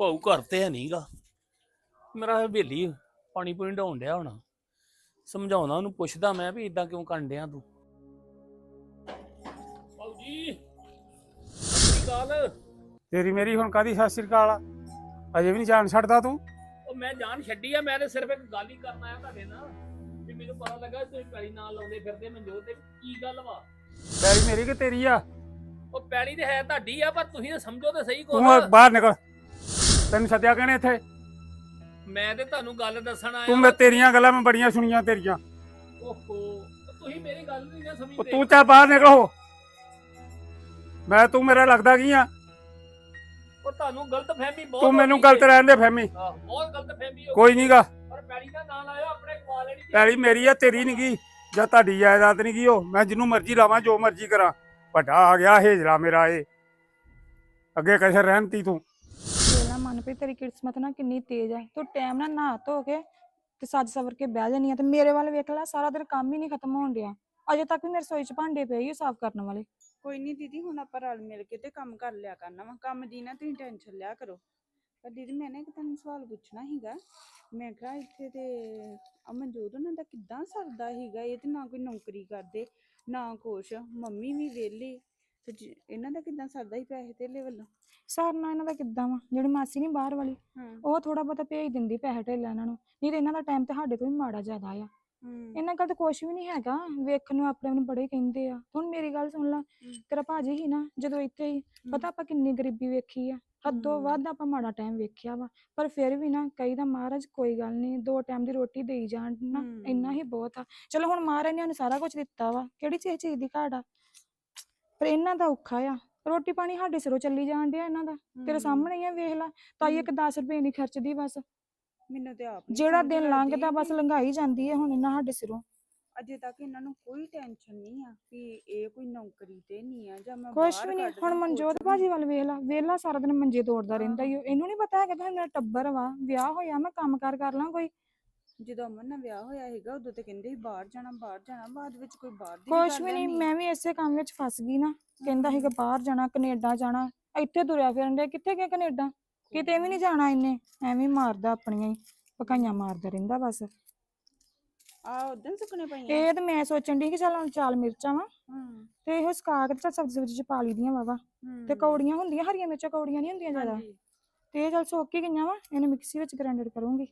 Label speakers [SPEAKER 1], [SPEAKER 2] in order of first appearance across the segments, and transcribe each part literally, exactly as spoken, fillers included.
[SPEAKER 1] ਭਾਊ ਘਰ ਤੇ ਹੈ ਨਹੀਂਗਾ। ਮੇਰਾ ਹਵੇਲੀ ਪਾਣੀ ਪੂਣੀ ਢਾਉਣ ਡਿਆ ਹੋਣਾ। ਸਮਝਾਉਣਾ ਉਹਨੂੰ, ਪੁੱਛਦਾ ਮੈਂ ਵੀ ਇਦਾਂ ਕਿਉਂ ਕਰਨ ਡਿਆ ਤੂੰ। ਭਾਊ ਜੀ ਸਤਿ ਸ੍ਰੀ ਅਕਾਲ।
[SPEAKER 2] ਤੇਰੀ ਮੇਰੀ ਹੁਣ ਕਾਦੀ ਸਤਿ ਸ੍ਰੀ ਅਕਾਲ ਆ? ਅਜੇ ਵੀ ਨਹੀਂ ਜਾਣ ਛੱਡਦਾ ਤੂੰ।
[SPEAKER 1] ਉਹ ਮੈਂ ਜਾਨ ਛੱਡੀ ਆ, ਮੈਂ ਤੇ ਸਿਰਫ ਇੱਕ ਗੱਲ ਹੀ ਕਰਨ ਆਇਆ ਤੁਹਾਡੇ ਨਾਲ ਵੀ ਮੈਨੂੰ ਪਤਾ ਲੱਗਾ ਤੁਸੀਂ ਪੈਲੀ ਨਾਲ ਲਾਉਂਦੇ ਫਿਰਦੇ ਮਨਜੋਤ ਤੇ ਕੀ ਗੱਲ ਵਾ।
[SPEAKER 2] ਪੈਲੀ ਮੇਰੀ ਕਿ ਤੇਰੀ ਆ?
[SPEAKER 1] ਉਹ ਪੈਲੀ ਤੇ ਹੈ ਤੁਹਾਡੀ ਆ, ਪਰ ਤੁਸੀਂ ਤਾਂ ਸਮਝੋ ਤੇ ਸਹੀ
[SPEAKER 2] ਤੂੰ
[SPEAKER 1] ਕੁਛ।
[SPEAKER 2] ਬਾਹਰ ਨਿਕਲ। ਤੈਨੂੰ ਸੱਦਿਆ ਕਿਹਨੇ ਇੱਥੇ?
[SPEAKER 1] ਮੈਂ ਤੇ ਤੁਹਾਨੂੰ ਗੱਲ ਦੱਸਣ ਆਇਆ।
[SPEAKER 2] ਤੂੰ ਮੈਂ ਤੇਰੀਆਂ ਗੱਲਾਂ ਮੈਂ ਬੜੀਆਂ ਸੁਣੀਆਂ ਤੇਰੀਆਂ।
[SPEAKER 1] ਓਹੋ ਤੁਸੀਂ ਮੇਰੀ ਗੱਲ ਨਹੀਂ ਨਾ
[SPEAKER 2] ਉਹ
[SPEAKER 1] ਸਮਝਦੇ।
[SPEAKER 2] ਤੂੰ ਚੱਲ ਬਾਹਰ ਨਿਕਲ ਹੋ। ਮੈਂ ਤੂੰ ਮੇਰਾ ਲੱਗਦਾ ਕੀ ਆ?
[SPEAKER 1] ਉਹ ਤੁਹਾਨੂੰ ਗਲਤ ਫਹਿਮੀ ਬਹੁਤ
[SPEAKER 2] ਤੂੰ ਮੈਨੂੰ
[SPEAKER 1] ਹੋ ਗਈ
[SPEAKER 2] ਗਲਤ
[SPEAKER 1] ਏ।
[SPEAKER 2] ਰਹਿਣ ਦੇ ਫਹਿਮੀ।
[SPEAKER 1] ਆਹ, ਬਹੁਤ ਗਲਤ ਫਹਿਮੀ ਹੋ
[SPEAKER 2] ਕੋਈ
[SPEAKER 1] ਗਈ।
[SPEAKER 2] ਨਹੀਂਗਾ।
[SPEAKER 1] ਪਰ ਪੈਲੀ ਦਾ ਨਾਂ ਲਾਇਓ, ਆਪਣੇ ਖਵਾ ਲੈਣੀ ਜੀ।
[SPEAKER 2] ਪੈਲੀ ਮੇਰੀ ਆ, ਤੇਰੀ ਨਹੀਂ ਗਈ ਜਾਂ ਤੁਹਾਡੀ ਜਾਇਦਾਦ ਨਹੀਂ ਗਈ। ਉਹ ਮੈਂ ਜਿਹਨੂੰ ਮਰਜ਼ੀ ਲਾਵਾਂ, ਜੋ ਮਰਜ਼ੀ ਕਰਾਂ। ਵੱਡਾ ਆ ਗਿਆ ਹੇਜਲਾ ਮੇਰਾ ਇਹ। ਅੱਗੇ ਕਿਸੇ ਰਹਿਮਤੀ ਤੂੰ।
[SPEAKER 3] ਵੇਲਾ ਮਨਪ੍ਰੀਤ ਤੇਰੀ ਕਿਸਮਤ ਨਾ ਕਿੰਨੀ ਤੇਜ਼ ਹੈ। ਤੂੰ ਟਾਈਮ ਨਾਲ ਨਹਾ ਧੋ ਕੇ ਤੇ ਸੱਜ ਸਵਰ ਕੇ ਬਹਿ ਜਾਨੀ ਆ ਤੇ ਮੇਰੇ ਵੱਲ ਵੇਖ ਲੈ, ਸਾਰਾ ਦਿਨ ਕੰਮ ਹੀ ਨਹੀਂ ਖਤਮ ਹੋਣ ਡਿਆ। ਅਜੇ ਤੱਕ ਵੀ ਮੇਰੇ ਰਸੋਈ 'ਚ ਭਾਂਡੇ ਪਏ ਹੀ ਸਾਫ਼ ਕਰਨ ਵਾਲੇ।
[SPEAKER 4] ਕੋਈ ਨਹੀਂ ਦੀਦੀ, ਹੁਣ ਆਪਾਂ ਰਲ ਮਿਲ ਕੇ ਤੇ ਕੰਮ ਕਰ ਲਿਆ ਕਰਨਾ ਵਾ। ਕੰਮ ਦੀ ਨਾ ਤੁਸੀਂ ਟੈਨਸ਼ਨ ਲਿਆ ਕਰੋ। ਪਰ ਦੀਦੀ ਮੈਂ ਨਾ ਇੱਕ ਤੁਹਾਨੂੰ ਸਵਾਲ ਪੁੱਛਣਾ ਸੀਗਾ। ਮੈਂ ਕਿਹਾ ਇੱਥੇ ਤੇ ਅਮਨਜੋਤ ਉਹਨਾਂ ਦਾ ਕਿੱਦਾਂ ਸਰਦਾ ਸੀਗਾ? ਇਹ ਤੇ ਨਾ ਕੋਈ ਨੌਕਰੀ ਕਰਦੇ ਨਾ ਕੁਛ, ਮੰਮੀ ਵੀ ਵਿਹਲੀ ਤੇ ਜ- ਇਹਨਾਂ ਦਾ ਕਿੱਦਾਂ ਸਰਦਾ ਸੀ ਪੈਸੇ ਧੇਲੇ ਵੱਲੋਂ?
[SPEAKER 3] ਸਰਨਾ ਇਹਨਾਂ ਦਾ ਕਿੱਦਾਂ ਵਾ, ਜਿਹੜੀ ਮਾਸੀ ਨਹੀਂ ਬਾਹਰ ਵਾਲੀ,
[SPEAKER 4] ਹਾਂ।
[SPEAKER 3] ਉਹ ਥੋੜਾ ਬਹੁਤਾ ਭੇਜ ਦਿੰਦੀ ਪੈਸੇ ਢੇਲਾ ਇਹਨਾਂ ਨੂੰ। ਨਹੀਂ ਤੇ ਇਹਨਾਂ ਦਾ ਟਾਈਮ ਤੇ ਸਾਡੇ ਤੋਂ ਵੀ ਮਾੜਾ ਜ਼ਿਆਦਾ ਆ।
[SPEAKER 4] ਹੂੰ
[SPEAKER 3] ਇਹਨਾਂ ਕੋਲ ਤਾਂ ਕੁਛ ਵੀ ਨਹੀਂ ਹੈਗਾ, ਵੇਖਣ ਨੂੰ ਆਪਣੇ ਆਪ ਨੂੰ ਬੜੇ ਕਹਿੰਦੇ ਆ। ਹੁਣ ਮੇਰੀ ਗੱਲ ਸੁਣ ਲਾ, ਤੇਰਾ ਭਾਜੀ ਹੀ ਨਾ ਜਦੋਂ ਇੱਥੇ ਹੀ, ਪਤਾ ਆਪਾਂ ਕਿੰਨੀ ਗਰੀਬੀ ਵੇਖੀ ਆ। ਹੱਦੋਂ
[SPEAKER 4] ਹਮ।
[SPEAKER 3] ਵੱਧ ਆਪਾਂ ਮਾੜਾ ਟਾਈਮ ਵੇਖਿਆ ਵਾ। ਪਰ ਫਿਰ ਵੀ ਨਾ ਕਈ ਦਾ ਮਹਾਰਾਜ ਕੋਈ ਗੱਲ ਨਹੀਂ, ਦੋ ਟਾਈਮ ਦੀ ਰੋਟੀ ਦੇਈ ਜਾਣ ਨਾ,
[SPEAKER 4] ਹਮ।
[SPEAKER 3] ਇੰਨਾ ਹੀ ਬਹੁਤ ਆ। ਚਲੋ ਹੁਣ ਮਹਾਰਾਜ ਨੇ ਸਾਨੂੰ ਸਾਰਾ ਕੁਝ ਦਿੱਤਾ ਵਾ, ਕਿਹੜੀ ਚੀਜ਼ ਚੀਜ਼ ਦੀ ਘਾਟ ਆ। ਪਰ ਇਹਨਾਂ ਦਾ ਔਖਾ ਆ, ਰੋਟੀ ਪਾਣੀ ਸਾਡੇ ਸਿਰੋਂ ਚੱਲੀ ਜਾਣ ਡਿਆ ਇਹਨਾਂ ਦਾ। ਤੇਰੇ ਸਾਹਮਣੇ ਹੀ ਆ, ਵੇਖ ਲਾ। ਤਾਈ ਇੱਕ ਦਸ ਰੁਪਏ ਨਹੀਂ ਖਰਚਦੀ ਬਸ।
[SPEAKER 4] ਮੈਨੂੰ ਤੇ ਆਪ ਨੀ
[SPEAKER 3] ਜਿਹੜਾ
[SPEAKER 4] ਸਮਝ
[SPEAKER 3] ਦਿਨ
[SPEAKER 4] ਲੱਗਦੀ
[SPEAKER 3] ਲੰਘਦਾ ਬਸ
[SPEAKER 4] ਕਿ
[SPEAKER 3] ਲੰਘਾਈ ਜਾਂਦੀ ਹੈ ਹੁਣ ਇਹਨਾਂ ਸਾਡੇ ਸਿਰੋਂ।
[SPEAKER 4] ਅਜੇ ਤੱਕ ਇਹਨਾਂ ਨੂੰ ਕੋਈ ਟੈਨਸ਼ਨ ਨਹੀਂ ਆ ਵੀ ਇਹ ਕੋਈ ਨੌਕਰੀ ਤੇ ਨਹੀਂ ਆ ਜਾਂ ਮੈਂ
[SPEAKER 3] ਕੁਛ
[SPEAKER 4] ਬਾਹਰ
[SPEAKER 3] ਵੀ ਨਹੀਂ।
[SPEAKER 4] ਕੱਢ
[SPEAKER 3] ਹੁਣ
[SPEAKER 4] ਦਾਂ,
[SPEAKER 3] ਮਨਜੋਤ
[SPEAKER 4] ਕੁਛ
[SPEAKER 3] ਭਾਜੀ
[SPEAKER 4] ਵੀ।
[SPEAKER 3] ਵੱਲ ਵੇਖ ਲਾ, ਵੇਲਾ ਸਾਰਾ ਦਿਨ ਮੰਜੇ ਤੋੜਦਾ ਰਹਿੰਦਾ
[SPEAKER 4] ਆਹੋ।
[SPEAKER 3] ਈ ਓ। ਇਹਨੂੰ ਨਹੀਂ ਪਤਾ ਹੈਗਾ ਕਿ ਮੇਰਾ ਟੱਬਰ ਵਾ, ਵਿਆਹ ਹੋਇਆ, ਮੈਂ ਕੰਮ ਕਾਰ ਕਰ ਲਾਂ ਕੋਈ।
[SPEAKER 4] ਜਦੋਂ ਅਮਨ ਨਾਲ ਵਿਆਹ ਹੋਇਆ ਸੀਗਾ ਉਦੋਂ ਤੇ ਕਹਿੰਦੇ ਸੀ ਬਾਹਰ ਜਾਣਾ ਬਾਹਰ ਜਾਣਾ, ਬਾਅਦ ਵਿੱਚ ਕੋਈ ਬਾਹਰ ਦੀ
[SPEAKER 3] ਕੁਛ
[SPEAKER 4] ਗੱਲ
[SPEAKER 3] ਵੀ ਨਹੀਂ,
[SPEAKER 4] ਹੈਨੀ।
[SPEAKER 3] ਮੈਂ ਵੀ ਇਸੇ ਕੰਮ ਵਿੱਚ ਫਸ ਗਈ ਨਾ। ਕਹਿੰਦਾ ਸੀਗਾ ਬਾਹਰ ਜਾਣਾ, ਕੈਨੇਡਾ ਜਾਣਾ, ਇੱਥੇ ਤੁਰਿਆ ਫਿਰਨ ਡਿਆ। ਕਿੱਥੇ ਗਿਆ ਕੈਨੇਡਾ? ਕਿਤੇ ਵੀ ਨਹੀਂ ਜਾਣਾ ਇਹਨੇ। ਐਵੇਂ ਹੀ ਮਾਰਦਾ ਆਪਣੀਆਂ ਹੀ ਪਕਾਈਆਂ ਮਾਰਦਾ ਰਹਿੰਦਾ ਬਸ।
[SPEAKER 4] ਆ ਉਦੋਂ ਸੁੱਕਣੇ ਪਈਆਂ।
[SPEAKER 3] ਇਹ ਤੇ ਮੈਂ ਸੋਚਣ ਦੀ ਕਿ ਚੱਲ ਹੁਣ ਚਾਲ ਮਿਰਚਾਂ ਵਾ
[SPEAKER 4] ਹੂੰ
[SPEAKER 3] ਤੇ ਇਹੋ ਸੁਕਾ ਕੇ ਤੇ ਚੱਲ ਸਬਜ਼ੀ ਸੁਬਜ਼ੀ ਚ ਪਾ ਲਈ ਦੀਆਂ ਵਾਵਾ। ਤੇ ਕੌੜੀਆਂ ਹੁੰਦੀਆਂ, ਹਰੀਆਂ ਮਿਰਚਾਂ ਕੌੜੀਆਂ ਨਹੀਂ ਹੁੰਦੀਆਂ ਜ਼ਿਆਦਾ।
[SPEAKER 4] ਹਾਂਜੀ।
[SPEAKER 3] ਤੇ ਇਹ ਚੱਲ ਸੁੱਕ ਹੀ ਗਈਆਂ ਵਾ, ਇਹਨੂੰ ਮਿਕਸੀ ਵਿੱਚ ਗ੍ਰਾਈਂਡਰ ਕਰੂੰਗੀ।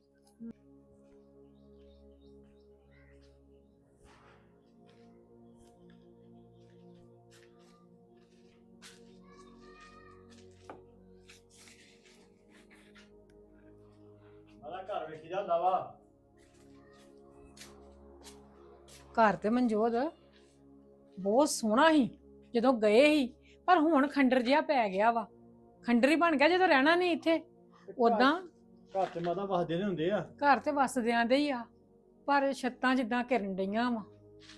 [SPEAKER 5] ਮਾਦਾ ਘਰ ਵੇਖੀ ਜਾਂਦਾ ਵਾ।
[SPEAKER 6] ਘਰ ਤੇ ਮਨਜੋਤ ਬਹੁਤ ਸੋਹਣਾ ਸੀ ਜਦੋਂ ਗਏ ਸੀ, ਪਰ ਹੁਣ ਖੰਡਰ ਜਿਹਾ ਪੈ ਗਿਆ ਵਾ। ਖੰਡਰ ਹੀ ਬਣ ਗਿਆ ਜਦੋਂ ਰਹਿਣਾ ਨਹੀਂ ਇੱਥੇ। ਉਦਾਂ
[SPEAKER 5] ਘਰ ਤੇ ਮਾਦਾ ਵਸਦੇ ਨੇ ਹੁੰਦੇ ਆ।
[SPEAKER 6] ਘਰ ਤੇ ਵਸਦਿਆਂ ਦੇ ਹੀ ਆ, ਪਰ ਛੱਤਾਂ ਜਿੱਦਾਂ ਘਿਰਨ ਡਈਆਂ ਵਾ।